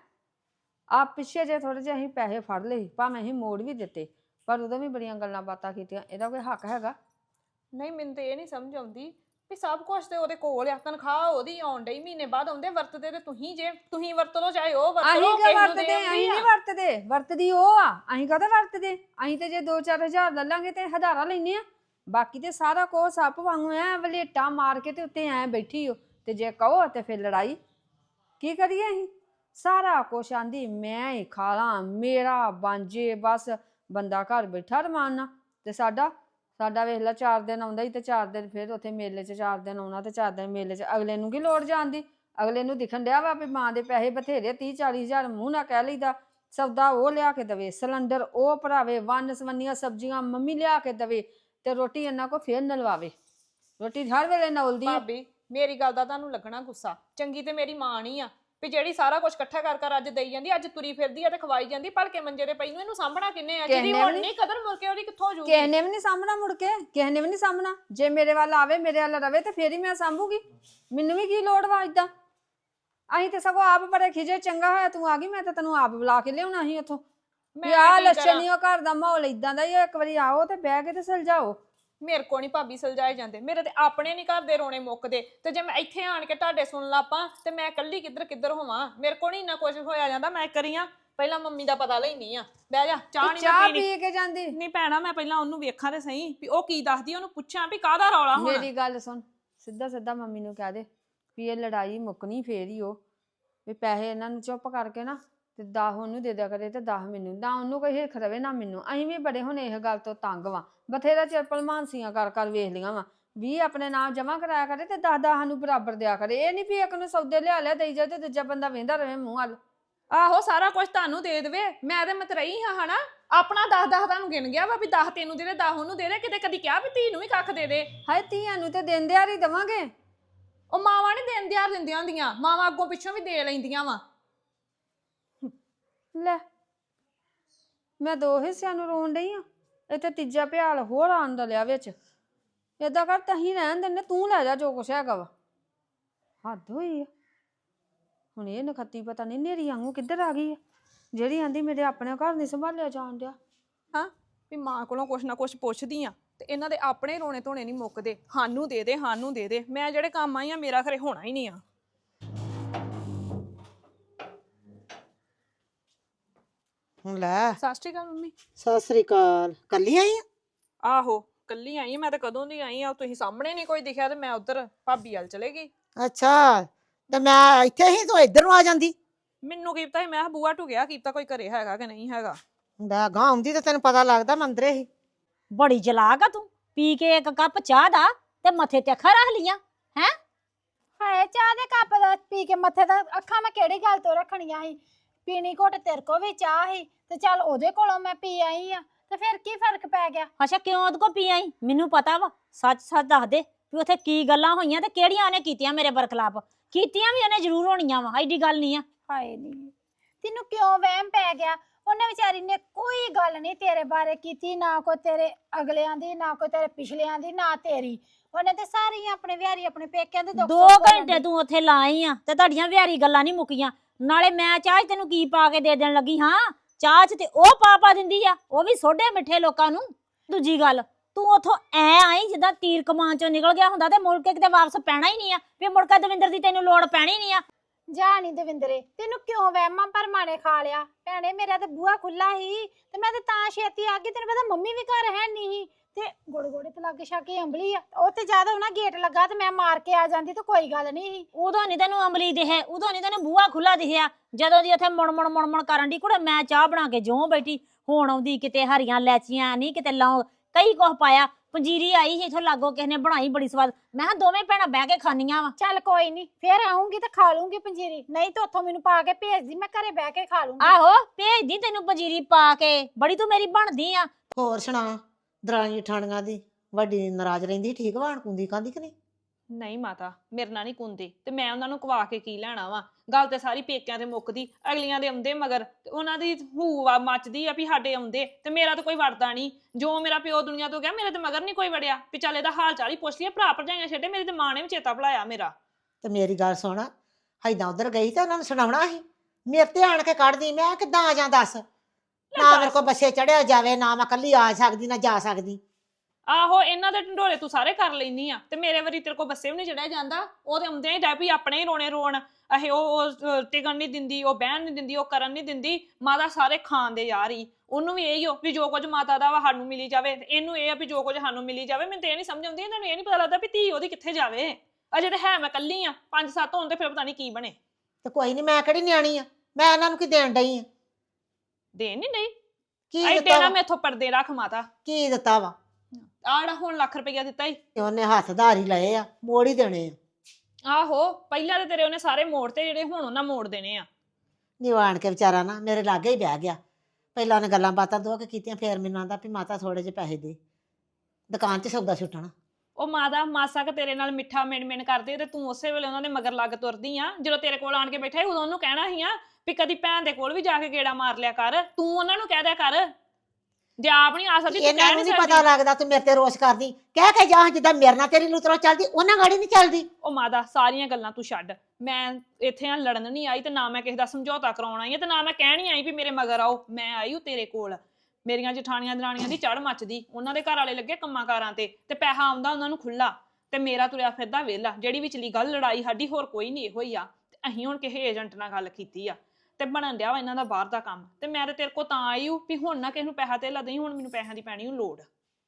E: ਆ ਪਿੱਛੇ ਜੇ ਥੋੜੇ ਜਿਹੇ ਅਸੀਂ ਪੈਸੇ ਫੜ ਲਏ ਭਾਵੇਂ ਅਸੀਂ ਮੋੜ ਵੀ ਦਿੱਤੇ, ਪਰ ਉਦੋਂ ਵੀ ਬੜੀਆਂ ਗੱਲਾਂ ਬਾਤਾਂ ਕੀਤੀਆਂ। ਇਹਦਾ ਕੋਈ ਹੱਕ ਹੈਗਾ?
D: ਨਹੀਂ, ਮੈਨੂੰ ਤੇ ਇਹ ਨਹੀਂ ਸਮਝ ਆਉਂਦੀ ਵੀ ਸਭ ਕੁਝ ਤੇ ਉਹਦੇ ਕੋਲ ਆ, ਤਨਖਾਹ ਉਹਦੀ ਆਉਣ ਡਈ, ਮਹੀਨੇ ਬਾਅਦ ਆਉਂਦੇ, ਵਰਤਦੇ ਤੇ ਤੁਸੀਂ ਜੇ ਤੁਸੀਂ ਵਰਤ ਲਓ ਚਾਹੇ ਉਹ ਵਰਤ
E: ਅਸੀਂ
D: ਲਓ,
E: ਕਿਉਂ
D: ਕਿਸੇ ਨੂੰ
E: ਵਰਤਦੇ?
D: ਦੇ
E: ਅਸੀਂ
D: ਆਉਂਦੀ
E: ਨਹੀਂ
D: ਆ।
E: ਵਰਤਦੇ, ਵਰਤਦੀ ਉਹ ਆ, ਅਸੀਂ ਕਾਹਦਾ ਵਰਤਦੇ? ਅਸੀਂ ਤੇ ਜੇ 2-4 ਹਜ਼ਾਰ ਲੈ ਲਾਂਗੇ ਤੇ ਹਜ਼ਾਰਾਂ ਲੈਨੇ ਆ, ਬਾਕੀ ਤੇ ਸਾਰਾ ਕੁਝ ਸੱਪ ਵਾਂਗੂ ਐ ਵਲੇਟਾ ਮਾਰ ਕੇ ਤੇ ਉੱਤੇ ਐ ਬੈਠੀ ਹੋ, ਤੇ ਜੇ ਕਹੋ ਤੇ ਫਿਰ ਲੜਾਈ। ਕੀ ਕਰੀਏ ਅਸੀਂ? ਸਾਰਾ ਕੁਛ ਆਂਦੀ ਮੈਂ ਹੀ ਖਾ ਲਾਂ, ਮੇਰਾ ਬਾਂਝੇ, ਬਸ ਬੰਦਾ ਘਰ ਬੈਠਾ ਰਮਾਨ ਨਾਲ। ਤੇ ਸਾਡਾ ਵੇਖ ਲਾ 4 ਦਿਨ ਆਉਂਦਾ ਹੀ ਤੇ 4 ਦਿਨ ਫਿਰ ਉੱਥੇ ਮੇਲੇ 'ਚ, 4 ਦਿਨ ਆਉਣਾ ਤੇ 4 ਦਿਨ ਮੇਲੇ 'ਚ। ਅਗਲੇ ਨੂੰ ਕੀ ਲੋੜ ਜਾਣ ਦੀ? ਅਗਲੇ ਨੂੰ ਦਿਖਣ ਡਿਆ ਵਾ ਵੀ ਮਾਂ ਦੇ ਪੈਸੇ ਬਥੇਰੇ, 30-40 ਹਜ਼ਾਰ ਮੂੰਹ ਨਾਲ ਕਹਿ ਲਈਦਾ। ਸੌਦਾ ਉਹ ਲਿਆ ਕੇ ਦਵੇ, ਸਿਲੰਡਰ ਉਹ ਭਰਾਵੇ, ਵੰਨ ਸਵੰਨੀਆਂ ਸਬਜ਼ੀਆਂ ਮੰਮੀ ਲਿਆ ਕੇ ਦਵੇ, ਤੇ ਰੋਟੀ ਇਹਨਾਂ ਕੋ ਫੇਰ ਨਲਵਾਵੇ। ਰੋਟੀ ਹਰ ਵੇਲੇ ਨਵਲਦੀ ਆ।
D: ਭਾਬੀ ਮੇਰੀ ਗੱਲ ਦਾ ਤੁਹਾਨੂੰ ਲੱਗਣਾ ਗੁੱਸਾ, ਚੰਗੀ ਤੇ ਮੇਰੀ ਮਾਂ ਨਹੀਂ ਆ ਵੀ ਜਿਹੜੀ ਸਾਰਾ ਕੁਝ ਇਕੱਠਾ ਕਰ ਅੱਜ ਦੇਈ ਜਾਂਦੀ, ਅੱਜ ਤੁਰੀ ਫਿਰਦੀ ਆ ਤੇ ਖਵਾਈ ਜਾਂਦੀ, ਭਲਕੇ ਮੰਜੇ ਤੇ ਪਈ ਨੂੰ ਇਹਨੂੰ ਸਾਂਭਣਾ ਕਿੰਨੇ ਆ? ਜਿਹਦੀ ਹੁਣ ਨਹੀਂ ਕਦਰ ਮੁੜ ਕੇ ਉਹਦੀ ਕਿੱਥੋਂ ਜੂਗੀ?
E: ਕਿਸੇ ਨੇ ਵੀ ਨਹੀਂ ਸਾਂਭਣਾ ਮੁੜ ਕੇ, ਕਿਸੇ ਨੇ ਵੀ ਨਹੀਂ ਸਾਂਭਣਾ। ਜੇ ਮੇਰੇ ਵੱਲ ਆਵੇ, ਮੇਰੇ ਵੱਲ ਰਵੇ ਤੇ ਫੇਰ ਹੀ ਮੈਂ ਸਾਂਭੂਗੀ। ਮੈਨੂੰ ਵੀ ਕੀ ਲੋੜ ਵਾ ਏਦਾਂ? ਅਸੀਂ ਤੇ ਸਗੋਂ ਆਪ ਬੜੇ ਖਿਜੇ, ਚੰਗਾ ਹੋਇਆ ਤੂੰ ਆ ਗਈ, ਮੈਂ ਤਾਂ ਤੈਨੂੰ ਆਪ ਬੁਲਾ ਕੇ ਲਿਆਉਣਾ ਸੀ ਉੱਥੋਂ।
D: ਮੈਂ
E: ਆ
D: ਕੀ
E: ਲੱਛਣ
D: ਕਰਾਂ?
E: ਨਹੀਂ, ਉਹ ਘਰ ਦਾ ਮਾਹੌਲ ਇਦਾਂ ਦਾ ਹੀ ਆ, ਇੱਕ ਵਾਰੀ ਆਓ ਤੇ ਬਹਿ ਕੇ ਤੇ ਸੁਲਝਾਓ।
D: ਮੇਰੇ ਕੋ ਨਹੀਂ ਭਾਬੀ ਸੁਲਝਾਏ ਜਾਂਦੇ, ਮੇਰੇ ਤੇ ਆਪਣੇ ਨਹੀਂ ਘਰ ਦੇ ਰੋਣੇ ਮੁੱਕਦੇ, ਤੇ ਜੇ ਮੈਂ ਇੱਥੇ ਆਣ ਕੇ ਤੁਹਾਡੇ ਸੁਣ ਲਾਪਾਂ ਤੇ ਮੈਂ ਇਕੱਲੀ ਕਿੱਧਰ ਹੋਵਾਂ? ਮੇਰੇ ਕੋ ਨਹੀਂ ਇੰਨਾ ਕੁਝ ਹੋਇਆ ਜਾਂਦਾ। ਮੈਂ ਕਰੀਆਂ ਪਹਿਲਾਂ ਮੰਮੀ ਦਾ ਪਤਾ ਲੈਣੀ ਆ। ਬਹਿ ਜਾ, ਚਾਹ ਨਹੀਂ
E: ਚਾਹ
D: ਮੈਂ ਪੀਣੀ।
E: ਪੀ ਕੇ ਜਾਂਦੀ।
D: ਨਹੀਂ ਭੈਣਾ, ਮੈਂ ਪਹਿਲਾਂ ਉਹਨੂੰ ਵੇਖਾਂ ਤੇ ਸਹੀ ਵੀ ਉਹ ਕੀ ਦੱਸਦੀ, ਉਹਨੂੰ ਪੁੱਛਾਂ ਵੀ ਕਾਹਦਾ ਰੌਲਾ ਹੁਣ।
E: ਮੇਰੀ ਗੱਲ ਸੁਣ, ਸਿੱਧਾ ਮੰਮੀ ਨੂੰ ਕਹਿ ਦੇ ਵੀ ਇਹ ਲੜਾਈ ਮੁੱਕਣੀ ਫੇਰ ਹੀ ਉਹ ਵੀ ਪੈਸੇ ਇਹਨਾਂ ਨੂੰ ਚੁੱਪ ਕਰਕੇ ਨਾ ਤੇ 10 ਉਹਨੂੰ ਦੇ ਦਿਆ ਕਰੇ ਤੇ 10 ਮੈਨੂੰ, ਨਾ ਉਹਨੂੰ ਕੋਈ ਹਿਰਖ ਰਵੇ ਨਾ ਮੈਨੂੰ। ਅਸੀਂ ਵੀ ਬੜੇ ਹੁਣ ਇਹ ਗੱਲ ਤੋਂ ਤੰਗ ਵਾਂ, ਬਥੇਰਾ ਚਿਰ ਭਲਮਾਨਸੀਆਂ ਕਰ ਵੇਖ ਲੀਆਂ ਵਾ। 20 ਆਪਣੇ ਨਾਮ ਜਮਾ ਕਰਾਇਆ ਕਰੇ ਤੇ 10 ਸਾਨੂੰ ਬਰਾਬਰ ਦਿਆ ਕਰੇ। ਇਹ ਨਹੀਂ ਵੀ ਇੱਕ ਨੂੰ ਸੌਦੇ ਲਿਆ ਦੇਈ ਜਾਏ ਤੇ ਦੂਜਾ ਬੰਦਾ ਵੇਂਦਾ ਰਵੇ ਮੂੰਹ ਵੱਲ।
D: ਆਹੋ ਸਾਰਾ ਕੁਝ ਤੁਹਾਨੂੰ ਦੇ ਦੇਵੇ, ਮੈਂ ਤੇ ਮਤਰਈ ਹਾਂ ਹਨਾ। ਆਪਣਾ 10 ਤੁਹਾਨੂੰ ਗਿਣ ਗਿਆ ਵਾ ਵੀ 10 ਤੈਨੂੰ ਦੇ ਦੇ, 10 ਉਹਨੂੰ ਦੇ ਦੇ। ਕਿਤੇ ਕਦੀ ਕਿਹਾ ਵੀ ਧੀ ਨੂੰ ਵੀ ਕੱਖ ਦੇ ਦੇ?
E: ਹਾਏ ਧੀਆਂ ਨੂੰ ਤੇ ਦਿਨ ਦਿਹਾੜੀ ਦੇਵਾਂਗੇ।
D: ਉਹ ਮਾਵਾਂ ਨੀ ਦੇਣ ਦਿਹਾੜ ਦਿੰਦੀਆਂ ਹੁੰਦੀਆਂ, ਮਾਵਾਂ ਅੱਗੋਂ ਪਿੱਛੋਂ ਵੀ ਦੇ ਲੈਂਦੀਆਂ ਵਾ।
E: ਲੈ ਮੈਂ 2 ਹਿੱਸਿਆਂ ਨੂੰ ਰੋਣ ਡਈ ਆ, ਇਹ ਤੇ ਤੀਜਾ ਭਿਆਲ ਹੋਰ ਆਣ ਦਾ ਲਿਆ ਵਿੱਚ। ਏਦਾਂ ਕਰ, ਤਹੀਂ ਰਹਿਣ ਦਿੰਦੇ, ਤੂੰ ਲੈ ਜਾ ਜੋ ਕੁਛ ਹੈਗਾ ਵਾ। ਹੱਦ ਹੋਈ ਆ ਹੁਣ। ਇਹ ਨਖੱਤੀ ਪਤਾ ਨਹੀਂ ਨੇਰੀ ਵਾਂਗੂ ਕਿੱਧਰ ਆ ਗਈ ਆ, ਜਿਹੜੀ ਆਂਦੀ ਮੇਰੇ ਆਪਣੇ ਘਰ ਨਹੀਂ ਸੰਭਾਲਿਆ ਜਾਣ ਡਿਆ।
D: ਹਾਂ ਵੀ ਮਾਂ ਕੋਲੋਂ ਕੁਛ ਨਾ ਕੁਛ ਪੁੱਛਦੀ ਆ ਤੇ ਇਹਨਾਂ ਦੇ ਆਪਣੇ ਰੋਣੇ ਧੋਣੇ ਨਹੀਂ ਮੁੱਕਦੇ। ਸਾਨੂੰ ਦੇ ਦੇ, ਸਾਨੂੰ ਦੇ ਦੇ। ਮੈਂ ਜਿਹੜੇ ਕੰਮ ਆਈ ਆ ਮੇਰਾ ਖਰੇ ਹੋਣਾ ਹੀ ਨਹੀਂ ਆ।
C: ਹੁਣ ਲੈ।
D: ਸਤਿ ਸ਼੍ਰੀ ਅਕਾਲ ਮੰਮੀ।
C: ਸਤਿ ਸ੍ਰੀ ਅਕਾਲ। ਕੱਲੀ ਆਈ ਆ?
D: ਆਹੋ ਕੱਲੀ ਆਈ ਆ ਮੈਂ, ਤਾਂ ਕਦੋਂ ਦੀ ਆਈ ਆ। ਤੁਸੀਂ ਸਾਹਮਣੇ ਨਹੀਂ ਕੋਈ ਦਿਖਿਆ ਤੇ ਮੈਂ ਉਧਰ ਭਾਬੀ ਵੱਲ ਚਲੇ ਗਈ।
C: ਅੱਛਾ, ਤੇ ਮੈਂ ਇੱਥੇ ਹੀ, ਤੂੰ ਇੱਧਰ ਨੂੰ ਆ ਜਾਂਦੀ।
D: ਮੈਨੂੰ ਕੀ ਪਤਾ ਸੀ, ਮੈਂ ਕਿਹਾ ਬੂਆ ਢੁਕਿਆ, ਕੀ ਪਤਾ ਕੋਈ ਘਰੇ ਹੈਗਾ ਕਿ ਨਹੀਂ ਹੈਗਾ।
C: ਮੈਂ ਗਾਂ ਆਉਂਦੀ ਤੇ ਤੈਨੂੰ ਪਤਾ ਲੱਗਦਾ ਮੰਦਰੇ ਹੀ।
A: ਬੜੀ ਚਲਾਕ ਆ ਤੂੰ, ਪੀ ਕੇ ਇੱਕ ਕੱਪ ਚਾਹ ਦਾ ਤੇ ਮੱਥੇ ਤੇ ਅੱਖਾਂ ਰੱਖ ਲੀਆਂ ਹੈ।
B: ਹਾਏ ਚਾਹ ਦੇ ਕੱਪ ਦਾ ਪੀ ਕੇ ਮੱਥੇ ਦਾ ਅੱਖਾਂ ਮੈਂ ਕਿਹੜੀ ਗੱਲ ਤੋਂ ਰੱਖਣੀਆਂ ਸੀ? ਪੀਣੀ ਘੁੱਟ ਤੇਰੇ ਕੋ ਵੀ ਚਾਹ ਸੀ ਤੇ ਚੱਲ ਉਹਦੇ ਕੋਲੋਂ ਮੈਂ ਪੀ ਆਈ ਆ, ਤੇ ਫਿਰ ਕੀ ਫਰਕ ਪੈ ਗਿਆ?
A: ਅੱਛਾ ਕਿਉਂ ਉਹਦੇ ਕੋ ਪੀ ਆਈ? ਮੈਨੂੰ ਪਤਾ ਵਾ, ਸੱਚ ਦੱਸ ਦੇ ਵੀ ਉੱਥੇ ਕੀ ਗੱਲਾਂ ਹੋਈਆਂ ਤੇ ਕਿਹੜੀਆਂ ਉਹਨੇ ਕੀਤੀਆਂ ਮੇਰੇ ਬਰਖਲਾਫ। ਕੀਤੀਆਂ ਵੀ ਉਹਨੇ ਜ਼ਰੂਰ ਹੋਣੀਆਂ ਵਾ, ਐਡੀ ਗੱਲ ਨਹੀਂ ਆ।
B: ਹਾਏ ਨੀ, ਤੈਨੂੰ ਕਿਉਂ ਵਹਿਮ ਪੈ ਗਿਆ? ਉਹਨੇ ਵਿਚਾਰੀ ਨੇ ਕੋਈ ਗੱਲ ਨਹੀਂ ਤੇਰੇ ਬਾਰੇ ਕੀਤੀ, ਨਾ ਕੋਈ ਤੇਰੇ ਅਗਲਿਆਂ ਦੀ, ਨਾ ਕੋਈ ਤੇਰੇ ਪਿਛਲਿਆਂ ਦੀ, ਨਾ ਤੇਰੀ। ਉਹਨੇ ਤੇ ਸਾਰੀਆਂ ਆਪਣੇ ਵਿਹਾਰੀ ਆਪਣੇ ਪੇਕਿਆਂ ਦੇ ਦੁੱਖ
A: 2 ਘੰਟੇ ਤੂੰ ਉੱਥੇ ਲਾਈ ਆ ਤੇ ਤੁਹਾਡੀਆਂ ਵਿਹਾਰੀ ਗੱਲਾਂ ਨਹੀਂ ਮੁੱਕੀਆਂ। ਨਾਲੇ ਮੈਂ ਚਾਹ 'ਚ ਤੈਨੂੰ ਕੀ ਪਾ ਕੇ ਦੇ ਦੇਣ ਲੱਗੀ ਹਾਂ? ਚਾਹ 'ਚ ਤੇ ਉਹ ਪਾ ਦਿੰਦੀ ਆ, ਉਹ ਵੀ ਸੋਢੇ ਮਿੱਠੇ ਲੋਕਾਂ ਨੂੰ। ਦੂਜੀ ਗੱਲ, ਤੂੰ ਉਥੋਂ ਐ ਆਈ ਜਿੱਦਾਂ ਤੀਰ ਕਮਾਨ ਚੋਂ ਨਿਕਲ ਗਿਆ ਹੁੰਦਾ ਤੇ ਮੁੜ ਕੇ ਕਿਤੇ ਵਾਪਸ ਪੈਣਾ ਹੀ ਨਹੀਂ ਆ, ਵੀ ਮੁੜ ਕੇ ਦਵਿੰਦਰ ਦੀ ਤੈਨੂੰ ਲੋੜ ਪੈਣੀ ਨਹੀਂ ਆ।
B: ਜਾ ਨੀ ਦਵਿੰਦਰੇ, ਤੈਨੂੰ ਕਿਉਂ ਵਹਿਮਾਂ ਭਰਮਾਂ ਖਾ ਲਿਆ? ਭੈਣੇ ਮੇਰਾ ਤੇ ਬੂਹਾ ਖੁੱਲਾ ਸੀ ਤੇ ਮੈਂ ਤੇ ਤਾਂ ਛੇਤੀ ਆ ਗਈ। ਤੈਨੂੰ ਪਤਾ ਮੰਮੀ ਵੀ ਘਰ ਹੈ ਨਹੀਂ ਤੇ ਗੋੜੇ ਤੇ ਲਾਗੇ ਛਾਗੇ ਅੰਬਲੀ ਆ, ਉਹ ਤੇ ਜ਼ਿਆਦਾ ਉਹਨਾਂ ਗੇਟ ਲੱਗਾ ਤੇ ਮੈਂ ਮਾਰ ਕੇ ਆ ਜਾਂਦੀ ਤੇ ਕੋਈ ਗੱਲ ਨਹੀਂ ਸੀ।
A: ਉਦੋਂ ਨਹੀਂ ਤੈਨੂੰ ਅੰਬਲੀ ਦਿਖੇ, ਉਦੋਂ ਨਹੀਂ ਤੈਨੂੰ ਬੂਹਾ ਖੁੱਲਾ ਦਿਖਿਆ, ਜਦੋਂ ਦੀ ਉੱਥੇ ਮੁਣ ਕਰਨ ਦੀ। ਕੁੜੇ ਮੈਂ ਚਾਹ ਬਣਾ ਕੇ ਜਿਉਂ ਬੈਠੀ, ਹੁਣ ਆਉਂਦੀ ਕਿਤੇ ਹਰੀਆਂ ਲੈਚੀਆਂ ਨਹੀਂ, ਕਿਤੇ ਲੌਂਗ, ਕਈ ਕੁਝ ਪਾਇਆ। ਪੰਜੀਰੀ ਆਈ ਸੀ ਇਥੋਂ ਲਾਗੋ, ਕਿਸੇ ਨੇ ਬਣਾਈ ਬੜੀ ਸਵਾਦ। ਮੈਂ ਕਿਹਾ ਦੋਵੇਂ ਭੈਣਾਂ ਬਹਿ ਕੇ ਖਾਣੀਆਂ ਵਾ।
B: ਚੱਲ ਕੋਈ ਨਹੀਂ, ਫੇਰ ਆਉਂਗੀ ਤੇ ਖਾ ਲੂੰਗੀ ਪੰਜੀਰੀ, ਨਹੀਂ ਤਾਂ ਉੱਥੋਂ ਮੈਨੂੰ ਪਾ ਕੇ ਭੇਜ ਦੀ, ਮੈਂ ਘਰੇ ਬਹਿ ਕੇ ਖਾ ਲੂੰਗੀ।
A: ਆਹੋ ਭੇਜਦੀ ਤੈਨੂੰ ਪੰਜੀਰੀ ਪਾ ਕੇ, ਬੜੀ ਤੂੰ ਮੇਰੀ ਬਣਦੀ ਆ।
C: ਹੋਰ ਸੁਣਾ, ਦਰਾਣੀ ਠਾਣੀਆਂ ਦੀ ਵੱਡੀ ਨਾਰਾਜ਼ ਰਹਿੰਦੀ, ਠੀਕ ਵਾਣ ਕੁੰਦੀ ਕਾਂਦੀ ਕਿ ਨਹੀਂ?
D: ਨਹੀਂ ਮਾਤਾ ਮੇਰੇ ਨਾਲ ਨਹੀਂ ਕੁੰਦੇ ਤੇ ਮੈਂ ਉਹਨਾਂ ਨੂੰ ਕਵਾ ਕੇ ਕੀ ਲੈਣਾ ਵਾ। ਗੱਲ ਤੇ ਸਾਰੀ ਪੇਕਿਆਂ ਤੇ ਮੁੱਕਦੀ, ਅਗਲੀਆਂ ਦੇ ਆਉਂਦੇ ਮਗਰ ਤੇ ਉਹਨਾਂ ਦੀ ਹੂਵਾ ਮੱਚਦੀ ਆ ਵੀ ਸਾਡੇ ਆਉਂਦੇ ਤੇ ਮੇਰਾ ਤਾਂ ਕੋਈ ਵੜਦਾ ਨਹੀਂ। ਜੋ ਮੇਰਾ ਪਿਓ ਦੁਨੀਆ ਤੋਂ ਗਿਆ ਮੇਰੇ ਤੇ ਮਗਰ ਨਹੀਂ ਕੋਈ ਵੜਿਆ ਵੀ ਚੱਲ ਇਹਦਾ ਹਾਲ ਚਾਲ ਹੀ ਪੁੱਛ ਲਈਏ, ਭਰਾ ਭਰਜਾਈਆਂ ਛੱਡੇ, ਮੇਰੀ ਤੇ ਮਾਂ ਨੇ ਵੀ ਚੇਤਾ ਭੁਲਾਇਆ ਮੇਰਾ।
C: ਤੇ ਮੇਰੀ ਗੱਲ ਸੁਣ, ਏਦਾਂ ਉਧਰ ਗਈ ਤੇ ਉਹਨਾਂ ਨੂੰ ਸੁਣਾਉਣਾ ਸੀ, ਮੇਰੇ ਤੇ ਆਣ ਕੇ ਕੱਢਦੀ, ਮੈਂ ਕਿੱਦਾਂ ਆ ਜਾ ਦੱਸ। ਨਾ ਮੇਰੇ ਕੋਲ ਬੱਸੇ ਚੜਿਆ ਜਾਵੇ, ਨਾ ਮੈਂ ਕੱਲੀ ਆ ਸਕਦੀ ਨਾ ਜਾ ਸਕਦੀ।
D: ਆਹੋ ਇਹਨਾਂ ਦੇ ਢੰਡੋਲੇ ਤੂੰ ਸਾਰੇ ਕਰ ਲੈਨੀ ਆ ਤੇ ਮੇਰੇ ਵਾਰੀ ਤੇਰੇ ਕੋਲ ਬੱਸੇ ਵੀ ਨਹੀਂ ਚੜਿਆ ਜਾਂਦਾ। ਉਹ ਤੇ ਆਉਂਦੇ ਹੀ ਡੈ ਵੀ ਆਪਣੇ ਹੀ ਰੋਣੇ ਰੋਣ, ਅਹੇ ਉਹ ਟਿਕਣ ਨਹੀਂ ਦਿੰਦੀ, ਉਹ ਬਹਿਣ ਨਹੀਂ ਦਿੰਦੀ, ਉਹ ਕਰਨ ਨਹੀਂ ਦਿੰਦੀ। ਮਾਤਾ ਸਾਰੇ ਖਾਣ ਦੇ ਯਾਰ ਹੀ, ਉਹਨੂੰ ਵੀ ਇਹੀ ਹੋ ਵੀ ਜੋ ਕੁਝ ਮਾਤਾ ਦਾ ਵਾ ਸਾਨੂੰ ਮਿਲੀ ਜਾਵੇ, ਤੇ ਇਹਨੂੰ ਇਹ ਆ ਵੀ ਜੋ ਕੁਝ ਸਾਨੂੰ ਮਿਲੀ ਜਾਵੇ। ਮੈਨੂੰ ਤੇ ਇਹ ਨਹੀਂ ਸਮਝ ਆਉਂਦੀ, ਇਹਨਾਂ ਨੂੰ ਇਹ ਨਹੀਂ ਪਤਾ ਲੱਗਦਾ ਵੀ ਧੀ ਉਹਦੀ ਕਿੱਥੇ ਜਾਵੇ। ਅਜੇ ਤੇ ਹੈ ਮੈਂ ਕੱਲੀ ਆ, 5-7 ਹੋਣ ਤੇ ਫਿਰ ਪਤਾ ਨਹੀਂ ਕੀ ਬਣੇ।
C: ਤੇ ਕੋਈ ਨਹੀਂ, ਮੈਂ ਕਿਹੜੀ ਨਿਆਣੀ ਆ, ਮੈਂ ਇਹਨਾਂ ਨੂੰ ਕੀ ਦੇਣ ਡਈ ਆ?
D: ਦੇਣ ਨਹੀਂ ਡਈ,
C: ਕੀ
D: ਐਡੇ
C: ਦਿੱਤਾ
D: ਨਾ
C: ਵਾ?
D: ਮੈਥੋਂ ਪਰਦੇ ਰੱਖ ਮਾਤਾ।
C: ਕੀ ਦਿੱਤਾ ਵਾ?
D: ਆੜਾ ਹੁਣ ਲੱਖ ਰੁਪਈਆ ਦਿੱਤਾ ਹੀ।
C: ਤੇ ਉਹਨੇ ਹੱਥ ਧਾਰੀ ਲਏ ਆ, ਮੋੜ ਹੀ ਦੇਣੇ ਆ।
D: ਆਹੋ ਪਹਿਲਾਂ ਤੇ ਤੇਰੇ ਉਹਨੇ ਸਾਰੇ ਮੋੜ ਤੇ, ਜਿਹੜੇ ਹੁਣ ਉਹਨਾਂ ਮੋੜ ਦੇਣੇ ਆ।
C: ਨਿਵਾਣ ਕੇ ਵਿਚਾਰਾ ਨਾ ਮੇਰੇ ਲਾਗੇ ਹੀ ਬਹਿ ਗਿਆ। ਪਹਿਲਾਂ ਉਹਨੇ ਗੱਲਾਂ ਬਾਤਾਂ ਦੋ ਕੇ ਕੀਤੀਆਂ, ਫੇਰ ਮੈਨੂੰ ਆਂਦਾ ਵੀ ਮਾਤਾ ਥੋੜੇ ਜਿਹੇ ਪੈਸੇ ਦੇ, ਦੁਕਾਨ 'ਚ ਸੌਦਾ ਛੁੱਟਣਾ।
D: ਉਹ ਮਾਦਾ ਮਾਸਾ ਕਿ ਤੇਰੇ ਨਾਲ ਮਿੱਠਾ ਮਿਣ ਕਰਦੇ ਤੇ ਤੂੰ ਉਸੇ ਵੇਲੇ ਉਹਨਾਂ ਦੇ ਮਗਰ ਲੱਗ ਤੁਰਦੀ ਆ। ਜਦੋਂ ਤੇਰੇ ਕੋਲ ਆਣ ਕੇ ਬੈਠਾ ਉਦੋਂ ਉਹਨੂੰ ਕਹਿਣਾ ਸੀ ਆ ਵੀ ਕਦੀ ਭੈਣ ਦੇ ਕੋਲ ਵੀ ਜਾ ਕੇ ਗੇੜਾ ਮਾਰ ਲਿਆ ਕਰ। ਤੂੰ ਉਹਨਾਂ ਨੂੰ ਕਹਿ ਦਿਆ ਕਰ, ਜੇ ਆਪ ਨਹੀਂ ਆ ਸਕਦੀ ਤੂੰ
C: ਇਹਨਾਂ
D: ਕਹਿ
C: ਨੂੰ
D: ਨਹੀਂ
C: ਨਹੀਂ ਪਤਾ
D: ਸਕਦੀ।
C: ਲੱਗਦਾ, ਤੂੰ ਮੇਰੇ ਤੇ ਰੋਸ ਕਰਦੀ, ਕਹਿ ਕੇ ਜਾ ਜਿੱਦਾਂ ਮੇਰੇ ਨਾਲ ਤੇਰੀ ਲੁਤਰੋ ਚੱਲਦੀ, ਉਹਨਾਂ ਗਾੜੀ ਨਹੀਂ ਚੱਲਦੀ।
D: ਉਹ ਮਾਦਾ ਸਾਰੀਆਂ ਗੱਲਾਂ ਤੂੰ ਛੱਡ, ਮੈਂ ਇੱਥੇ ਆ ਲੜਨ ਨਹੀਂ ਆਈ ਤੇ ਨਾ ਮੈਂ ਕਿਸੇ ਦਾ ਸਮਝੌਤਾ ਕਰਾਉਣ ਆਈ ਆ ਤੇ ਨਾ ਮੈਂ ਕਹਿਣੀ ਆਈ ਵੀ ਮੇਰੇ ਮਗਰ ਆਓ। ਮੈਂ ਆਈ ਹੂੰ ਤੇਰੇ ਕੋਲ, ਮੇਰੀਆਂ ਜਠਾਣੀਆਂ ਦਰਾਣੀਆਂ ਦੀ ਚੜ ਮੱਚਦੀ, ਉਹਨਾਂ ਦੇ ਘਰ ਵਾਲੇ ਲੱਗੇ ਕੰਮਾਂ ਕਾਰਾਂ ਤੇ ਪੈਸਾ ਆਉਂਦਾ ਉਹਨਾਂ ਨੂੰ ਖੁੱਲਾ ਤੇ ਮੇਰਾ ਤੁਰਿਆ ਫਿਰਦਾ ਵਿਹਲਾ। ਜਿਹੜੀ ਵਿਚਲੀ ਗੱਲ ਲੜਾਈ ਸਾਡੀ ਹੋਰ ਕੋਈ ਨਹੀਂ ਇਹੋ ਹੀ ਆ। ਤੇ ਅਸੀਂ ਹੁਣ ਕਿਸੇ ਏਜੰਟ ਨਾਲ ਗੱਲ ਕੀਤੀ ਆ ਤੇ ਬਣਨ ਡਿਆ ਵਾ ਇਹਨਾਂ ਦਾ ਬਾਹਰ ਦਾ ਕੰਮ। ਤੇ ਮੈਂ ਤੇ ਤੇਰੇ ਕੋਲ ਤਾਂ ਆਈ ਹੂੰ ਵੀ ਹੁਣ ਨਾ ਕਿਸੇ ਨੂੰ ਪੈਸਾ ਧੇਲਾ ਦੇਈਂ, ਹੁਣ ਮੈਨੂੰ ਪੈਸਿਆਂ ਦੀ ਪੈਣੀ ਨੂੰ ਲੋੜ।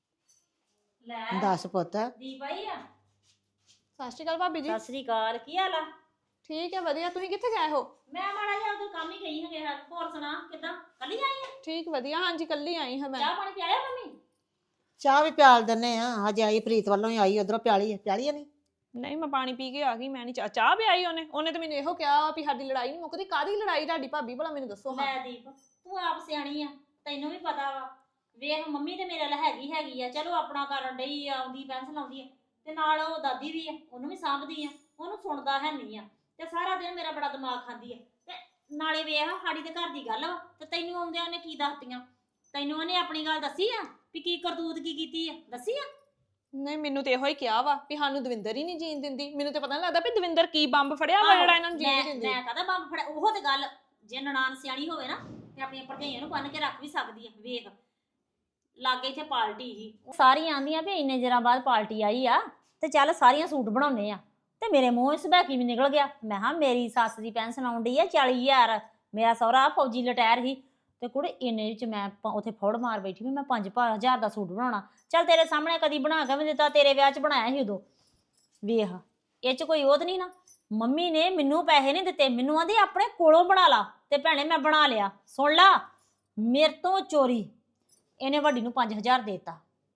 A: ਲੈ
C: ਦੱਸ ਪੁੱਤ।
A: ਦੀਪ ਆਈ ਆ?
D: ਸਤਿ ਸ਼੍ਰੀ ਅਕਾਲ ਭਾਬੀ ਜੀ।
A: ਸਤਿ ਸ੍ਰੀ ਅਕਾਲ, ਕੀ ਹਾਲ ਆ?
D: ਠੀਕ ਹੈ ਵਧੀਆ, ਤੁਸੀਂ ਕਿੱਥੇ ਗਏ ਹੋ?
A: ਮੈਂ ਮਾੜਾ ਜਿਹਾ ਉਧਰ ਕੰਮ ਹੀ ਗਈ ਹੈਗੇ। ਹੋਰ ਸੁਣਾ, ਕਿੱਦਾਂ ਕੱਲੀ ਆਈ ਆ?
D: ਠੀਕ ਵਧੀਆ, ਹਾਂਜੀ ਕੱਲੀ ਆਈ ਹਾਂ ਮੈਂ।
A: ਚਾਹ ਪਾਣੀ ਪਿਆਇਆ ਮੰਮੀ?
C: ਚਾਹ ਵੀ ਪਿਆਲ ਦਿੰਨੇ ਆ, ਹਜੇ ਆਈ ਪ੍ਰੀਤ ਵੱਲੋਂ ਹੀ ਆਈ, ਉਧਰੋਂ ਪਿਆਲੀ ਆ ਨਹੀਂ।
D: ਨਹੀਂ ਮੈਂ ਪਾਣੀ ਪੀ ਕੇ ਆ ਗਈ, ਮੈਂ ਨਹੀਂ ਚਾਹ ਵੀ ਆਈ। ਉਹਨੇ ਤਾਂ ਮੈਨੂੰ ਇਹੋ ਕਿਹਾ ਵੀ ਸਾਡੀ ਲੜਾਈ ਨਹੀਂ ਮੁੱਕਦੀ। ਕਾਹਦੀ ਲੜਾਈ ਤੁਹਾਡੀ ਭਾਬੀ, ਭਲਾ ਮੈਨੂੰ ਦੱਸੋ।
A: ਲੈ ਦੀਪ, ਤੂੰ ਆਪ ਸਿਆਣੀ ਆ, ਤੈਨੂੰ ਵੀ ਪਤਾ ਵਾ। ਵੇਖ ਮੰਮੀ ਤੇ ਮੇਰੇ ਨਾਲ ਹੈਗੀ ਆ, ਚਲੋ ਆਪਣਾ ਕਰਨ ਡਈ ਆ, ਆਉਂਦੀ ਪੈਨਸ਼ਨ ਆਉਂਦੀ ਆ, ਤੇ ਨਾਲ ਉਹ ਦਾਦੀ ਵੀ ਆ, ਉਹਨੂੰ ਵੀ ਸਾਂਭਦੀ ਆ, ਉਹਨੂੰ ਸੁਣਦਾ ਹੈ ਨਹੀਂ ਆ, ਤੇ ਸਾਰਾ ਦਿਨ ਮੇਰਾ ਬੜਾ ਦਿਮਾਗ ਖਾਂਦੀ ਆ। ਤੇ ਨਾਲੇ ਵੇਖ ਸਾਡੀ ਤੇ ਘਰ ਦੀ ਗੱਲ ਵਾ, ਤੇ ਤੈਨੂੰ ਆਉਂਦਿਆਂ ਉਹਨੇ ਕੀ ਦੱਸਤੀਆਂ? ਤੈਨੂੰ ਉਹਨੇ ਆਪਣੀ ਗੱਲ ਦੱਸੀ ਆ ਵੀ ਕੀ ਕਰਤੂਤ ਕੀ ਕੀਤੀ ਆ? ਦੱਸੀ ਆ?
D: ਨਹੀਂ ਮੈਨੂੰ ਤੇ ਇਹੋ ਹੀ ਕਿਹਾ ਵਾ ਵੀ ਸਾਨੂੰ ਦਵਿੰਦਰ ਹੀ ਨਹੀਂ ਜੀਣ ਦਿੰਦੀ। ਮੈਨੂੰ ਤੇ ਪਤਾ ਨਹੀਂ ਲੱਗਦਾ ਵੀ ਦਵਿੰਦਰ ਕੀ ਬੰਬ ਫੜਿਆ ਵਾ ਜਿਹੜਾ ਇਹਨਾਂ ਨੂੰ ਜੀਣ ਦਿੰਦੀ।
A: ਮੈਂ ਕਹਦਾ ਬੰਬ ਫੜਿਆ, ਉਹ ਤੇ ਗੱਲ ਜੇ ਨਨਾਣ ਸਿਆਣੀ ਹੋਵੇ ਨਾ ਤੇ ਆਪਣੀਆਂ ਭਰਜਾਈਆਂ ਨੂੰ ਬੰਨ ਕੇ ਰੱਖ ਵੀ ਸਕਦੀ ਆ। ਵੇਖ ਲਾਗੇ ਇੱਥੇ ਪਾਰਟੀ ਹੀ, ਸਾਰੀਆਂ ਆਂਦੀਆਂ ਵੀ ਇੰਨੇ ਦਿਨਾਂ ਬਾਅਦ ਪਾਰਟੀ ਆਈ ਆ ਤੇ ਚੱਲ ਸਾਰੀਆਂ ਸੂਟ ਬਣਾਉਣੇ ਆ। ਤੇ ਮੇਰੇ ਮੂੰਹ ਸਬੈਕੀ ਵੀ ਨਿਕਲ ਗਿਆ। ਮੈਂ ਹਾਂ ਮੇਰੀ ਸੱਸ ਦੀ ਪੈਨਸ਼ਨ ਆਉਂਦੀ ਆ 40,000, ਮੇਰਾ ਸਹੁਰਾ ਫੌਜੀ ਲਟਾਇਰ ਸੀ, ਤੇ ਕੁੜੇ ਇੰਨੇ ਵਿੱਚ ਮੈਂ ਉੱਥੇ ਫੌੜ ਮਾਰ ਬੈਠੀ ਵੀ ਮੈਂ 5,000 ਦਾ ਸੂਟ ਬਣਾਉਣਾ। ਚੱਲ ਤੇਰੇ ਸਾਹਮਣੇ ਕਦੀ ਬਣਾ ਕੇ ਵੀ ਦਿੱਤਾ, ਤੇਰੇ ਵਿਆਹ 'ਚ ਬਣਾਇਆ ਸੀ ਉਦੋਂ। ਵੇਖ ਇਹ 'ਚ ਕੋਈ ਉਹਤ ਨਹੀਂ ਨਾ। ਮੰਮੀ ਨੇ ਮੈਨੂੰ ਪੈਸੇ ਨਹੀਂ ਦਿੱਤੇ, ਮੈਨੂੰ ਆਂਦੀ ਆਪਣੇ ਕੋਲੋਂ ਬਣਾ ਲਾ, ਤੇ ਭੈਣੇ ਮੈਂ ਬਣਾ ਲਿਆ। ਸੁਣ ਲਾ, ਮੇਰੇ ਤੋਂ ਚੋਰੀ ਇਹਨੇ ਵੱਡੀ ਨੂੰ 5,000 ਦੇਤਾ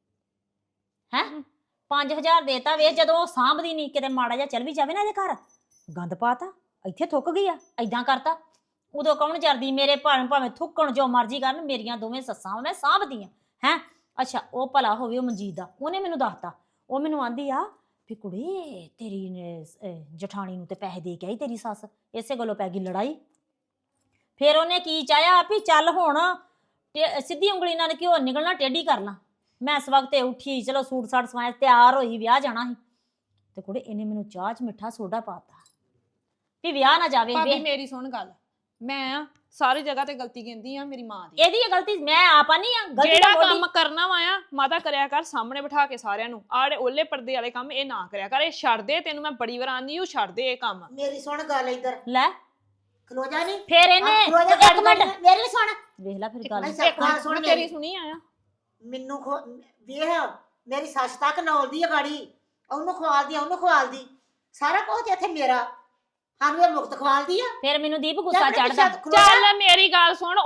A: ਹੈ। 5,000 ਦੇਤਾ। ਵੇ ਜਦੋਂ ਉਹ ਸਾਂਭਦੀ ਨਹੀਂ, ਕਿਤੇ ਮਾੜਾ ਜਿਹਾ ਚੱਲ ਵੀ ਜਾਵੇ ਨਾ ਇਹਦੇ ਘਰ, ਗੰਦ ਪਾਤਾ, ਇੱਥੇ ਥੁੱਕ ਗਈ ਆ, ਏਦਾਂ ਕਰਤਾ। ਉਦੋਂ ਕੌਣ ਜਰਦੀ? ਮੇਰੇ ਭਾਵੇਂ ਥੁੱਕਣ ਜੋ ਮਰਜ਼ੀ ਕਰਨ, ਮੇਰੀਆਂ ਦੋਵੇਂ ਸੱਸਾਂ ਮੈਂ ਸਾਂਭਦੀ ਆ ਹੈ। ਅੱਛਾ ਉਹ ਭਲਾ ਹੋਵੇ ਉਹ ਮਨਜੀਤ ਦਾ, ਉਹਨੇ ਮੈਨੂੰ ਦੱਸਤਾ। ਉਹ ਮੈਨੂੰ ਆਂਦੀ ਆ ਵੀ ਕੁੜੀ ਤੇਰੀ ਨੇ ਜਠਾਣੀ ਨੂੰ ਤੇ ਪੈਸੇ ਦੇ ਕੇ ਆਈ ਤੇਰੀ ਸੱਸ, ਇਸੇ ਗੱਲੋਂ ਪੈ ਗਈ ਲੜਾਈ। ਫਿਰ ਉਹਨੇ ਕੀ ਚਾਹਿਆ ਵੀ ਚੱਲ ਹੁਣ ਸਿੱਧੀ ਉਂਗਲੀ ਨਾਲ ਘਿਓ ਨਿਕਲਣਾ, ਟੇਢੀ ਕਰ ਲਾਂ। ਮੈਂ ਇਸ ਵਕਤ ਉੱਠੀ, ਚਲੋ ਸੂਟ ਸਾਟ ਸਵਾਇਆ, ਤਿਆਰ ਹੋਈ, ਵਿਆਹ ਜਾਣਾ ਸੀ। ਤੇ ਕੁੜੇ ਇਹਨੇ ਮੈਨੂੰ ਚਾਹ 'ਚ ਮਿੱਠਾ ਸੋਡਾ ਪਾਤਾ ਵੀ ਵਿਆਹ ਨਾ ਜਾਵੇ।
D: ਭਾਬੀ ਮੇਰੀ ਸੁਣ ਗੱਲ, ਮੈਂ ਸਾਰੀ ਜਗ੍ਹਾ ਤੇ ਗਲਤੀ ਕਹਿੰਦੀ ਆ ਮੇਰੀ ਮਾਂ ਦੀ।
A: ਇਹਦੀ ਗਲਤੀ ਮੈਂ ਆਪਾ ਨਹੀਂ ਆ, ਗਲਤੀ
D: ਜਿਹੜਾ
A: ਤਾਂ ਮੋਢੀ।
D: ਕੰਮ ਕਰਨਾ ਵਾ ਆ ਮਾਤਾ ਕਰਿਆ ਕਰ ਸਾਹਮਣੇ ਬਿਠਾ ਕੇ ਸਾਰਿਆਂ ਨੂੰ। ਆੜੇ ਓਲੇ ਪਰਦੇ ਵਾਲੇ ਕੰਮ ਇਹ ਨਾ ਕਰਿਆ ਕਰ, ਇਹ ਛੱਡ ਦੇ। ਤੈਨੂੰ ਮੈਂ ਬੜੀ ਵਾਰ ਆਂਦੀ ਹੂੰ ਛੱਡ ਦੇ ਇਹ ਕੰਮ।
C: ਮੇਰੀ ਸੁਣ ਗੱਲ ਇੱਧਰ,
A: ਲੈ
C: ਖਲੋ ਜਾ ਨਹੀਂ।
A: ਫੇਰ ਇਹਨੇ
C: ਖਲੋ ਜਾ,
A: ਇੱਕ ਮਿੰਟ
C: ਮੇਰੀ ਵੀ ਸੁਣ।
A: ਵੇਖ ਲੈ ਫਿਰ ਗੱਲ।
C: ਇੱਕ ਮਿੰਟ ਸੁਣ
D: ਮੈਂ
C: ਮੇਰੀ।
D: ਤੇਰੀ ਸੁਣੀ ਆ।
C: ਮੈਨੂੰ ਵੇਖ ਮੇਰੀ ਸੱਸ ਤੱਕ ਨੌਲਦੀ ਆ ਗਾੜੀ, ਉਹਨੂੰ ਖਵਾਲਦੀ ਸਾਰਾ ਕੁਝ ਇੱਥੇ ਮੇਰਾ, ਸਾਨੂੰ ਇਹ ਮੁਕਤ ਖਵਾਲਦੀ ਆ।
A: ਫਿਰ ਮੈਨੂੰ ਦੀਪ ਗੁੱਸਾ
C: ਜਾ ਆਪਣੇ
A: ਚੜਦਾ।
C: ਪਿੱਛੇ ਖਲੋ ਜਾ।
D: ਚੱਲ ਮੇਰੀ ਗੱਲ ਸੁਣ, ਉਹ ਗੱਲ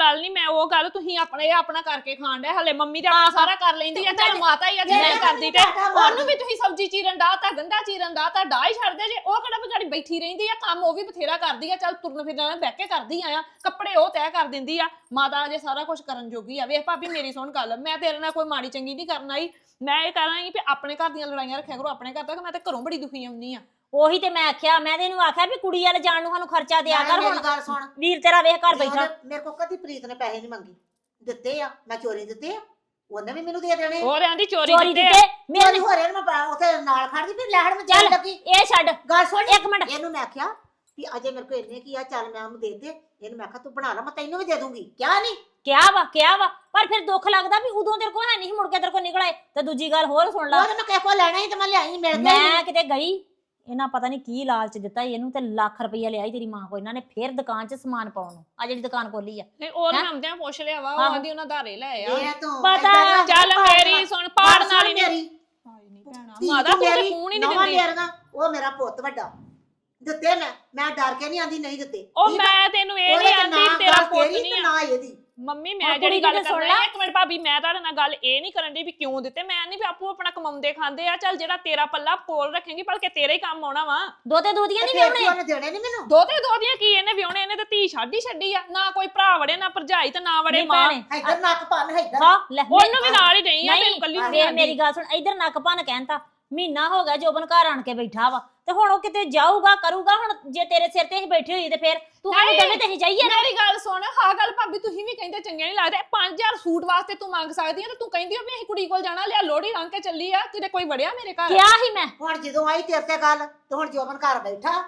D: ਗੱਲ ਨਹੀਂ, ਮੈਂ ਉਹ ਗੱਲ ਤੁਸੀਂ ਆਪਣਾ ਕਰਕੇ ਖਾਣ ਡਿਆ, ਹਲੇ ਮੰਮੀ ਤੇ ਆਪਣਾ ਸਾਰਾ ਕਰ ਲੈਂਦੀ ਆ, ਚੱਲ ਮਾਤਾ ਹੀ ਆ ਜੇ ਨਹੀਂ ਕਰਦੀ ਤੇ ਉਹਨੂੰ ਵੀ ਤੁਸੀਂ ਸਬਜ਼ੀ ਚੀਰਨ ਦਾ ਤਾਂ ਗੰਢਾ ਚੀਰਨ ਦਾ ਤਾਂ ਡਾਹ ਹੀ ਛੱਡਦੇ ਜੇ। ਉਹ ਕਿਹੜਾ ਵਿਚਾਰੀ ਬੈਠੀ ਰਹਿੰਦੀ ਆ, ਕੰਮ ਉਹ ਵੀ ਬਥੇਰਾ ਕਰਦੀ ਆ, ਚੱਲ ਤੁਰਨ ਫਿਰਨ ਬਹਿ ਕੇ ਕਰਦੀ ਆ, ਕੱਪੜੇ ਉਹ ਤੈਅ ਕਰ ਦਿੰਦੀ ਆ, ਮਾਤਾ ਅਜੇ ਸਾਰਾ ਕੁਝ ਕਰਨ ਜੋਗੀ ਆ। ਵੇਖ ਭਾਬੀ ਮੇਰੀ ਸੁਣ ਗੱਲ, ਮੈਂ ਤੇਰੇ ਨਾਲ ਕੋਈ ਮਾੜੀ ਚੰਗੀ ਨਹੀਂ ਕਰਨ ਆਈ, ਮੈਂ ਇਹ ਕਹਿਣਾ ਸੀ ਵੀ ਆਪਣੇ ਘਰ ਦੀਆਂ ਲੜਾਈਆਂ ਰੱਖਿਆ ਕਰੋ ਆਪਣੇ ਘਰ ਤੱਕ। ਮੈਂ ਤਾਂ ਘਰੋਂ ਬੜੀ ਦੁਖੀ ਆਉਂਦੀ ਆ।
A: ਉਹੀ ਤੇ ਮੈਂ ਆਖਿਆ, ਮੈਂ ਤੇ ਇਹਨੂੰ ਆਖਿਆ ਵੀ ਕੁੜੀ ਵਾਲੇ ਜਾਣ ਨੂੰ ਸਾਨੂੰ ਖਰਚਾ ਦਿਆ ਕਰ।
C: ਮੇਰੀ
A: ਹੁਣ
C: ਗੱਲ ਸੁਣ,
A: ਵੀਰ ਤੇਰਾ ਵੇਖ ਘਰ ਬੈਠਾ।
C: ਮੇਰੇ ਕੋਲ ਕਦੀ ਪ੍ਰੀਤ ਨੇ ਪੈਸੇ ਨਹੀਂ ਮੰਗੇ, ਦਿੱਤੇ ਆ, ਮੈਂ ਚੋਰੀ ਦਿੱਤੇ ਆ, ਉਹਨੇ ਵੀ ਮੈਨੂੰ ਦੇ ਦੇਣੇ।
D: ਉਹ ਰਹਿੰਦੀ ਚੋਰੀ
A: ਚੋਰੀ
D: ਕੀਤੇ
A: ਦਿੱਤੇ
C: ਮੇਰੀ
A: ਮੇਰੇ
C: ਹੋ ਰਿਹਾ ਮੈਂ ਉੱਥੇ ਨਾਲ ਖੜਦੀ ਫਿਰ ਲੈਣ ਮੈਂ
A: ਚੱਲ
C: ਚੱਲ ਲੱਗੀ।
A: ਇਹ ਛੱਡ,
C: ਗੱਲ ਸੁਣ
A: ਇੱਕ ਮਿੰਟ।
C: ਇਹਨੂੰ ਮੈਂ ਆਖਿਆ ਵੀ ਅਜੇ ਮੇਰੇ ਕੋਲ ਇੰਨੇ ਕੀ ਆ, ਚੱਲ ਮੈਂ ਉਹਨੂੰ ਦੇ ਦੇ। ਇਹਨੂੰ ਮੈਂ ਆਖਿਆ ਤੂੰ ਬਣਾ ਲਾ, ਮੈਂ ਤੈਨੂੰ ਵੀ ਦੇ ਦੂੰਗੀ। ਕਿਹਾ ਨਹੀਂ?
A: ਕਿਹਾ ਵਾ ਪਰ ਫਿਰ ਦੁੱਖ ਲੱਗਦਾ ਵੀ ਉਦੋਂ ਤੇਰੇ ਕੋਲ ਹੈ ਨਹੀਂ, ਮੁੜ ਕੇ ਤੇਰੇ ਕੋਲ ਨਿਕਲ ਆਏ। ਤੇ ਦੂਜੀ ਗੱਲ ਹੋਰ ਸੁਣ ਲਾ,
C: ਉਹ ਮੈਂ ਕਿਸੇ ਕੋਲ ਲੈਣਾ ਹੀ ਤੇ ਮੈਂ ਲਿਆਈ, ਮਿਲ ਗਿਆ
A: ਮੈਂ ਕਿਤੇ ਗਈ, ਇਹਨਾਂ ਪਤਾ ਨਹੀਂ ਕੀ ਲਾਲਚ ਦਿੱਤਾ ਸੀ ਇਹਨੂੰ, ਤੇ ਲੱਖ ਰੁਪਈਆ ਲਿਆ ਸੀ ਤੇਰੀ ਮਾਂ ਕੋਲ ਇਹਨਾਂ ਨੇ ਫੇਰ ਦੁਕਾਨ 'ਚ ਸਮਾਨ ਪਾਉਣ ਨੂੰ। ਆ ਜਿਹੜੀ ਦੁਕਾਨ ਖੋਲੀ ਆ,
D: ਨਹੀਂ ਉਹ ਆਉਂਦਿਆਂ ਪੁੱਛ ਲਿਆ ਵਾ, ਉਹ
A: ਆਹੋ।
D: ਆਂਦੀ ਉਹਨਾਂ ਧਾਰੇ ਲੈ ਆ।
C: ਇਹ ਤੂੰ
A: ਪਤਾ,
C: ਏਦਾਂ ਨਾ
D: ਚੱਲ
C: ਪਾੜ
D: ਮੇਰੀ
C: ਨਾ।
D: ਸੁਣ, ਪਾੜ
C: ਗੱਲ
D: ਨਾਲ ਹੀ
C: ਸੁਣ
D: ਨਹੀਂ
C: ਮੇਰੀ
D: ਭੈਣਾ
C: ਧੀ
D: ਮਾਦਾ
C: ਤੂੰ
D: ਤੂੰ ਤੇ
C: ਮੇਰੀ
D: ਫੋਨ ਹੀ
C: ਨਵਾਂ
D: ਨਹੀਂ ਦਿੰਦੀ।
C: ਲਿਆਣਾ, ਉਹ ਮੇਰਾ ਪੁੱਤ ਵੱਡਾ ਦਿੱਤੇ। ਮੈਂ ਡਰ ਕੇ ਨਹੀਂ ਆਂਦੀ ਨਹੀਂ ਦਿੱਤੇ।
D: ਉਹ
C: ਠੀਕ ਆ?
D: ਮੈਂ ਤੈਨੂੰ ਇਹ
C: ਉਹਦੇ
D: ਨਹੀਂ
C: ਚ
D: ਆਂਦੀ
C: ਨਾ
D: ਤੇਰਾ
C: ਗੱਲ
D: ਪੁੱਤ
C: ਤੇਰੀ
D: ਨਹੀਂ
C: ਤੇ
D: ਆ।
C: ਨਾ ਇਹਦੀ।
D: ਮੰਮੀ
A: ਹੁਣ
D: ਮੈਂ
A: ਕੁੜੀ
D: ਜਿਹੜੀ
A: ਦੀ
D: ਗੱਲ
A: ਤੇ ਸੁਣ
D: ਕਰਨਾ
A: ਲਾ।
D: ਇੱਕ ਮਿੰਟ ਭਾਬੀ, ਮੈਂ ਤੁਹਾਡੇ ਨਾਲ ਗੱਲ ਇਹ ਨਹੀਂ ਕਰਨ ਦੀ ਵੀ ਕਿਉਂ ਦਿੱਤੇ। ਮੈਂ ਨਹੀਂ ਵੀ ਆਪੋ ਆਪਣਾ ਕਮਾਉਂਦੇ ਖਾਂਦੇ ਆ, ਚੱਲ ਜਿਹੜਾ ਤੇਰਾ ਪੱਲਾ ਕੋਲ ਰੱਖੇਂਗੀ ਭਲਕੇ ਤੇਰੇ ਹੀ ਕੰਮ ਆਉਣਾ ਵਾ।
A: ਦੋਤੇ ਦੋਦੀਆਂ ਨਹੀਂ
C: ਫਿਰ ਕੀ
A: ਵਿਆਹਣੇ।
C: ਉਹਨੇ ਦੇਣੇ ਨਹੀਂ ਮੈਨੂੰ?
D: ਦੋਤੇ ਦੋਦੀਆਂ ਕੀ ਇਹਨੇ ਵਿਆਹਣੇ, ਇਹਨੇ ਤੇ ਧੀ ਛੱਡੀ ਆ, ਨਾ ਕੋਈ ਭਰਾ ਵੜੇ ਨਾ ਭਰਜਾਈ ਤੇ ਨਾ ਵੜੇ
A: ਨਹੀਂ
D: ਮਾਂ।
A: ਭੈਣੇ,
C: ਇੱਧਰ ਨੱਕ ਭੰਨ, ਇੱਧਰ
A: ਹਾਂ ਲੈ
D: ਉਹਨੂੰ ਵੀ ਨਾਲ ਹੀ ਨਹੀਂ ਆ,
A: ਨਹੀਂ,
D: ਤੈਨੂੰ ਕੱਲੀ
A: ਵੇ
D: ਨਹੀਂ
A: ਮੇਰੀ ਗੱਲ ਸੁਣ, ਇਧਰ ਨੱਕ ਭੰਨ ਕਹਿਣਤਾ ਮਹੀਨਾ ਹੋ ਗਿਆ ਜੋਬਨ ਘਰ ਆਣ ਕੇ ਬੈਠਾ ਵਾ, ਤੇ ਹੁਣ ਉਹ ਕਿਤੇ ਜਾਊਗਾ ਕਰੂਗਾ। ਹੁਣ ਜੇ ਤੇਰੇ ਸਿਰ ਤੇ ਹੀ ਬੈਠੀ ਹੋਈ ਤੇ ਫਿਰ ਤੂੰ ਸਾਨੂੰ
D: ਨਹੀਂ।
A: ਦਵੇ ਤੇ ਹੀ ਜਾਈਏ ਨਾ।
D: ਮੇਰੀ ਗੱਲ ਸੁਣ, ਹਾਂ ਗੱਲ ਭਾਬੀ ਤੁਸੀਂ ਵੀ ਕਹਿੰਦੇ ਚੰਗੇ ਨਹੀਂ ਲੱਗਦੇ। 5000 ਸੂਟ ਵਾਸਤੇ ਤੂੰ ਮੰਗ ਸਕਦੀ ਆ ਤੇ ਤੂੰ ਕਹਿੰਦੀ ਹੋ ਵੀ ਅਸੀਂ ਕੁੜੀ ਕੋਲ ਜਾਣਾ, ਲਿਆ ਲੋੜੀ ਰੰਗ ਕੇ ਚੱਲੀ ਆ, ਕਿਤੇ ਕੋਈ ਵੜਿਆ ਮੇਰੇ ਘਰ?
A: ਕਿਹਾ ਹੀ ਮੈਂ।
C: ਹੁਣ ਜਦੋਂ ਆਈ ਤੇਰੇ ਤੇ ਗੱਲ ਤੇ ਹੁਣ ਜੋਬਨ ਘਰ ਬੈਠਾ।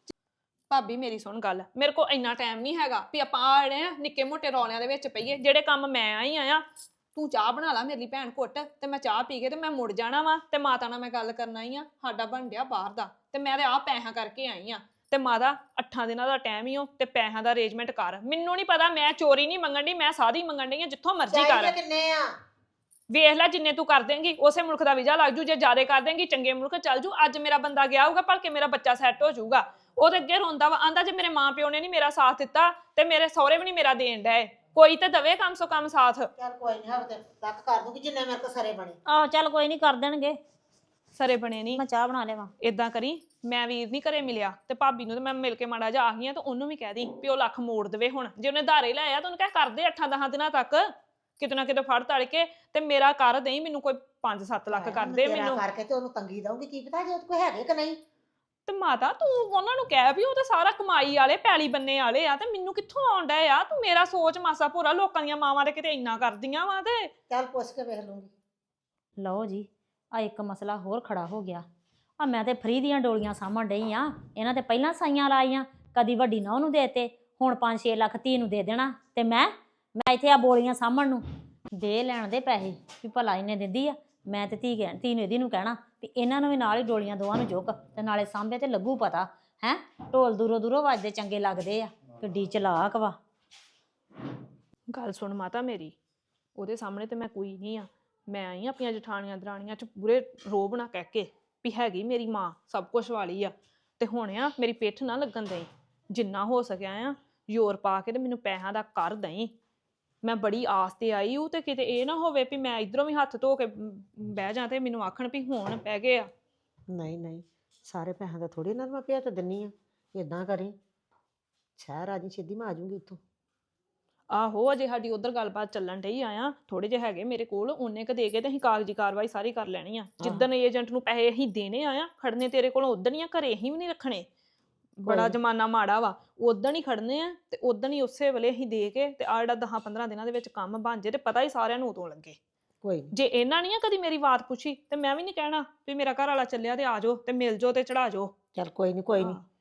D: ਭਾਬੀ ਮੇਰੀ ਸੁਣ ਗੱਲ, ਮੇਰੇ ਕੋਲ ਇੰਨਾ ਟਾਈਮ ਨਹੀਂ ਹੈਗਾ ਵੀ ਆਪਾਂ ਆ ਜਿਹੜੇ ਆ ਨਿੱਕੇ ਮੋਟੇ ਰੌਲਿਆਂ ਦੇ ਵਿੱਚ ਪਈਏ। ਜਿਹੜੇ ਕੰਮ ਮੈਂ ਆਈ ਆ, ਤੂੰ ਚਾਹ ਬਣਾ ਲਾ ਮੇਰੀ ਭੈਣ ਘੁੱਟ, ਤੇ ਮੈਂ ਚਾਹ ਪੀ ਕੇ ਤੇ ਮੈਂ ਮੁੜ ਜਾਣਾ ਵਾ। ਤੇ ਮਾਤਾ ਨਾਲ ਮੈਂ ਗੱਲ ਕਰਨ ਆਈ ਆ, ਸਾਡਾ ਬਣ ਡਿਆ ਬਾਹਰ ਦਾ, ਤੇ ਮੈਂ ਤੇ ਆਹ ਪੈਸਿਆਂ ਕਰਕੇ ਆਈ ਆ। ਤੇ ਮਾਤਾ 8 ਦਿਨਾਂ ਦਾ ਟਾਈਮ ਹੀ ਹੋ ਤੇ ਪੈਸਿਆਂ ਦਾ ਅਰੇਂਜਮੈਂਟ ਕਰ। ਮੈਨੂੰ ਨਹੀਂ ਪਤਾ, ਮੈਂ ਚੋਰੀ ਨਹੀਂ ਮੰਗਣ ਦੀ, ਮੈਂ ਸਾਦੀ ਮੰਗਣ ਡਈ ਆ, ਜਿੱਥੋਂ ਮਰਜ਼ੀ ਕਰ।
C: ਚਾਹੀਦੇ ਕਿੰਨੇ ਆ?
D: ਵੇਖ ਲੈ ਜਿੰਨੇ ਤੂੰ ਕਰ ਦੇਂਗੀ ਉਸੇ ਮੁਲਕ ਦਾ ਵੀਜ਼ਾ ਲੱਗ ਜੂ, ਜੇ ਜ਼ਿਆਦਾ ਕਰ ਦੇਂਗੀ ਚੰਗੇ ਮੁਲਕ ਚੱਲ ਜੂ। ਅੱਜ ਮੇਰਾ ਬੰਦਾ ਗਿਆ ਹੋਊਗਾ ਭਲਕੇ ਮੇਰਾ ਬੱਚਾ ਸੈੱਟ ਹੋ ਜਾਊਗਾ। ਉਹਦੇ ਅੱਗੇ ਰੋਂਦਾ ਵਾ, ਆਂਦਾ ਜੇ ਮੇਰੇ ਮਾਂ ਪਿਓ ਨੇ ਨਹੀਂ ਮੇਰਾ ਸਾਥ ਦਿੱਤਾ ਤੇ ਮੇਰੇ ਸਹੁਰੇ ਵੀ ਨਹੀਂ ਮੇਰਾ ਦੇਣ ਡਏ, ਕੋਈ ਤੇ ਦਵੇ ਕਮ ਸੋ ਕਮ ਸਾਥ।
C: ਚੱਲ ਕੋਈ ਨਹੀਂ, ਹਫਤੇ ਤੱਕ ਕਰ ਦੂੰਗੀ ਜਿੰਨੇ ਮੇਰੇ ਕੋ ਸਰੇ ਬਣੇ।
A: ਆਹੋ ਚੱਲ ਕੋਈ ਨਹੀਂ ਕਰ ਦੇਣਗੇ।
D: ਸਰੇ ਬਣੇ ਨਹੀਂ,
A: ਮੈਂ ਚਾਹ ਬਣਾ ਲਿਆਵਾਂ।
D: ਇਦਾਂ ਕਰੀ, ਮੈਂ ਵੀਰ ਨਹੀਂ ਘਰੇ ਮਿਲਿਆ ਤੇ ਭਾਬੀ ਨੂੰ ਤੇ ਮੈਂ ਮਿਲ ਕੇ ਮਾੜਾ ਜਿਹਾ ਆ ਗਈ ਆ, ਤੇ ਉਹਨੂੰ ਵੀ ਕਹਿ ਦੀ ਵੀ ਉਹ ਲੱਖ ਮੋੜ ਦੇਵੇ। ਹੁਣ ਜੇ ਉਹਨੇ ਧਾਰੇ ਲਾਇਆ ਤਾਂ ਉਹਨੂੰ ਕਹਿ ਕਰਦੇ 8-10 ਦਿਨਾਂ ਤੱਕ ਕਿਤੇ ਨਾ ਕਿਤੇ ਫੜ ਤੜ ਕੇ ਤੇ ਮੇਰਾ ਕਰ ਦੇਈ, ਮੈਨੂੰ ਕੋਈ 5-7 ਲੱਖ ਕਰ ਦੇ
C: ਤੇਰਾ
D: ਮੈਨੂੰ।
C: ਕਰਕੇ ਤੇ ਉਹਨੂੰ ਤੰਗੀ ਦਊਂਗੀ, ਕੀ ਪਤਾ ਜੇ ਉਹਦੇ ਕੋਲ ਹੈਗੇ ਕਿ ਨਹੀਂ।
D: ਤੇ ਮਾਤਾ ਤੂੰ ਉਹਨਾਂ ਨੂੰ ਕਹਿ ਵੀ ਉਹ ਤਾਂ ਸਾਰਾ ਕਮਾਈ ਵਾਲੇ ਪੈਲੀ ਬੰਨੇ ਵਾਲੇ ਆ, ਤੇ ਮੈਨੂੰ ਕਿੱਥੋਂ ਆਉਂਦਾ ਆ? ਤੂੰ ਮੇਰਾ ਸੋਚ ਮਾਸਾ ਭੋਰਾ, ਲੋਕਾਂ ਦੀਆਂ ਮਾਵਾਂ ਦੇ ਕਿਤੇ ਇੰਨਾ ਕਰਦੀਆਂ ਵਾ। ਤੇ
C: ਚੱਲ ਪੁੱਛ ਕੇ ਵੇਖ ਲੂੰਗੀ।
A: ਲਓ ਜੀ, ਆ ਇੱਕ ਮਸਲਾ ਹੋਰ ਖੜਾ ਹੋ ਗਿਆ। ਆ ਮੈਂ ਤੇ ਫਰੀ ਦੀਆਂ ਡੋਲੀਆਂ ਸਾਂਭਣ ਡਈ ਆ, ਇਹਨਾਂ ਤੇ ਪਹਿਲਾਂ ਸਾਈਆਂ ਲਾਈਆਂ, ਕਦੀ ਵੱਡੀ ਨੌਂ ਨੂੰ ਦੇਤੇ, ਹੁਣ 5-6 ਲੱਖ ਧੀ ਨੂੰ ਦੇ ਦੇਣਾ। ਤੇ ਮੈਂ ਇੱਥੇ ਆ ਬੋਲੀਆਂ ਸਾਂਭਣ ਨੂੰ ਦੇ ਲੈਣ ਦੇ ਪੈਸੇ ਵੀ ਭਲਾ ਇਹਨੇ ਦਿੰਦੀ ਆ। ਮੈਂ ਤੇ ਧੀ ਨੂੰ ਇਹਦੀ ਨੂੰ ਕਹਿਣਾ ਵੀ ਇਹਨਾਂ ਨੂੰ ਵੀ ਨਾਲ ਹੀ ਡੋਲੀਆਂ ਦੋਵਾਂ ਨੂੰ ਚੁੱਕ ਤੇ ਨਾਲੇ ਸਾਂਭੇ ਤੇ ਲੱਗੂ ਪਤਾ ਹੈ। ਢੋਲ ਦੂਰੋਂ ਦੂਰੋਂ ਵੱਜਦੇ ਚੰਗੇ ਲੱਗਦੇ ਆ, ਕਿੱਡੀ ਚਲਾਕ ਵਾ।
D: ਗੱਲ ਸੁਣ ਮਾਤਾ ਮੇਰੀ, ਉਹਦੇ ਸਾਹਮਣੇ ਤੇ ਮੈਂ ਕੋਈ ਨਹੀਂ ਆ। ਮੈਂ ਆਈ ਆ ਆਪਣੀਆਂ ਜਠਾਣੀਆਂ ਦਰਾਣੀਆਂ ਚ ਪੂਰੇ ਰੋਬ ਨਾ ਕਹਿ ਕੇ ਵੀ ਹੈਗੀ ਮੇਰੀ ਮਾਂ ਸਭ ਕੁਝ ਵਾਲੀ ਆ। ਤੇ ਹੁਣ ਆ ਮੇਰੀ ਪਿੱਠ ਨਾ ਲੱਗਣ ਦੇਈ, ਜਿੰਨਾ ਹੋ ਸਕਿਆ ਆ ਜ਼ੋਰ ਪਾ ਕੇ ਤੇ ਮੈਨੂੰ ਪੈਸਿਆਂ ਦਾ ਕਰ ਦਈ। ਮੈਂ ਬੜੀ ਆਸ ਤੇ ਆਈ ਹੂੰ, ਤੇ ਕਿਤੇ ਇਹ ਨਾ ਹੋਵੇ ਵੀ ਮੈਂ ਇਧਰੋਂ ਵੀ ਹੱਥ ਧੋ ਕੇ ਬਹਿ ਜਾ ਤੇ ਮੈਨੂੰ ਆਖਣ ਵੀ ਹੁਣ ਪੈ ਗਏ ਆ।
C: ਨਹੀਂ ਨਹੀਂ, ਸਾਰੇ ਪੈਸਿਆਂ ਦਾ ਥੋੜੀ ਨਾਲ ਮੈਂ ਭੇਤ ਦਿੰਨੀ ਆ। ਇਦਾਂ ਕਰੀ, ਸ਼ਹਿਰ ਆ ਜੀ, ਸਿੱਧੀ ਮੈਂ ਆ ਜਾਊਂਗੀ ਇੱਥੋਂ।
D: ਆਹੋ ਅਜੇ ਸਾਡੀ ਉਧਰ ਗੱਲਬਾਤ ਚੱਲਣ ਡਈ ਆ, ਥੋੜੇ ਜਿਹੇ ਹੈਗੇ ਮੇਰੇ ਕੋਲ, ਉਹਨੇ ਕ ਦੇ ਕੇ ਤੇ ਅਸੀਂ ਕਾਗਜ਼ੀ ਕਾਰਵਾਈ ਸਾਰੀ ਕਰ ਲੈਣੀ ਆ। ਜਿੱਦਣ ਏਜੰਟ ਨੂੰ ਪੈਸੇ ਅਸੀਂ ਦੇਣੇ ਆ, ਖੜਨੇ ਤੇਰੇ ਕੋਲੋਂ ਉਦਣ ਹੀ ਆ, ਘਰੇ ਅਸੀਂ ਵੀ ਨਹੀਂ ਰੱਖਣੇ। ਬੜਾ ਜ਼ਮਾਨਾ ਮਾੜਾ ਵਾ, ਉਦਣ ਹੀ ਖੜਨੇ ਆ ਤੇ ਉਦਣ ਹੀ ਉਸੇ ਵੇਲੇ ਅਸੀਂ ਦੇ ਕੇ ਤੇ ਆ ਜਿਹੜਾ 10-15 ਦਿਨਾਂ ਦੇ ਵਿੱਚ ਕੰਮ ਬਣ ਜੇ ਤੇ ਪਤਾ ਹੀ ਸਾਰਿਆਂ ਨੂੰ ਉਦੋਂ ਲੱਗੇ।
C: ਕੋਈ ਨਹੀਂ,
D: ਜੇ ਇਹਨਾਂ ਨਹੀਂ ਆ ਕਦੀ ਮੇਰੀ ਬਾਤ ਪੁੱਛੀ ਤੇ ਮੈਂ ਵੀ ਨਹੀਂ ਕਹਿਣਾ ਵੀ ਮੇਰਾ ਘਰ ਵਾਲਾ ਚੱਲਿਆ ਤੇ ਆ ਜਾਓ ਤੇ ਮਿਲ ਜਾਓ ਤੇ ਚੜਾ ਜਾਓ।
C: ਚੱਲ ਕੋਈ ਨਹੀਂ, ਕੋਈ ਨਹੀਂ।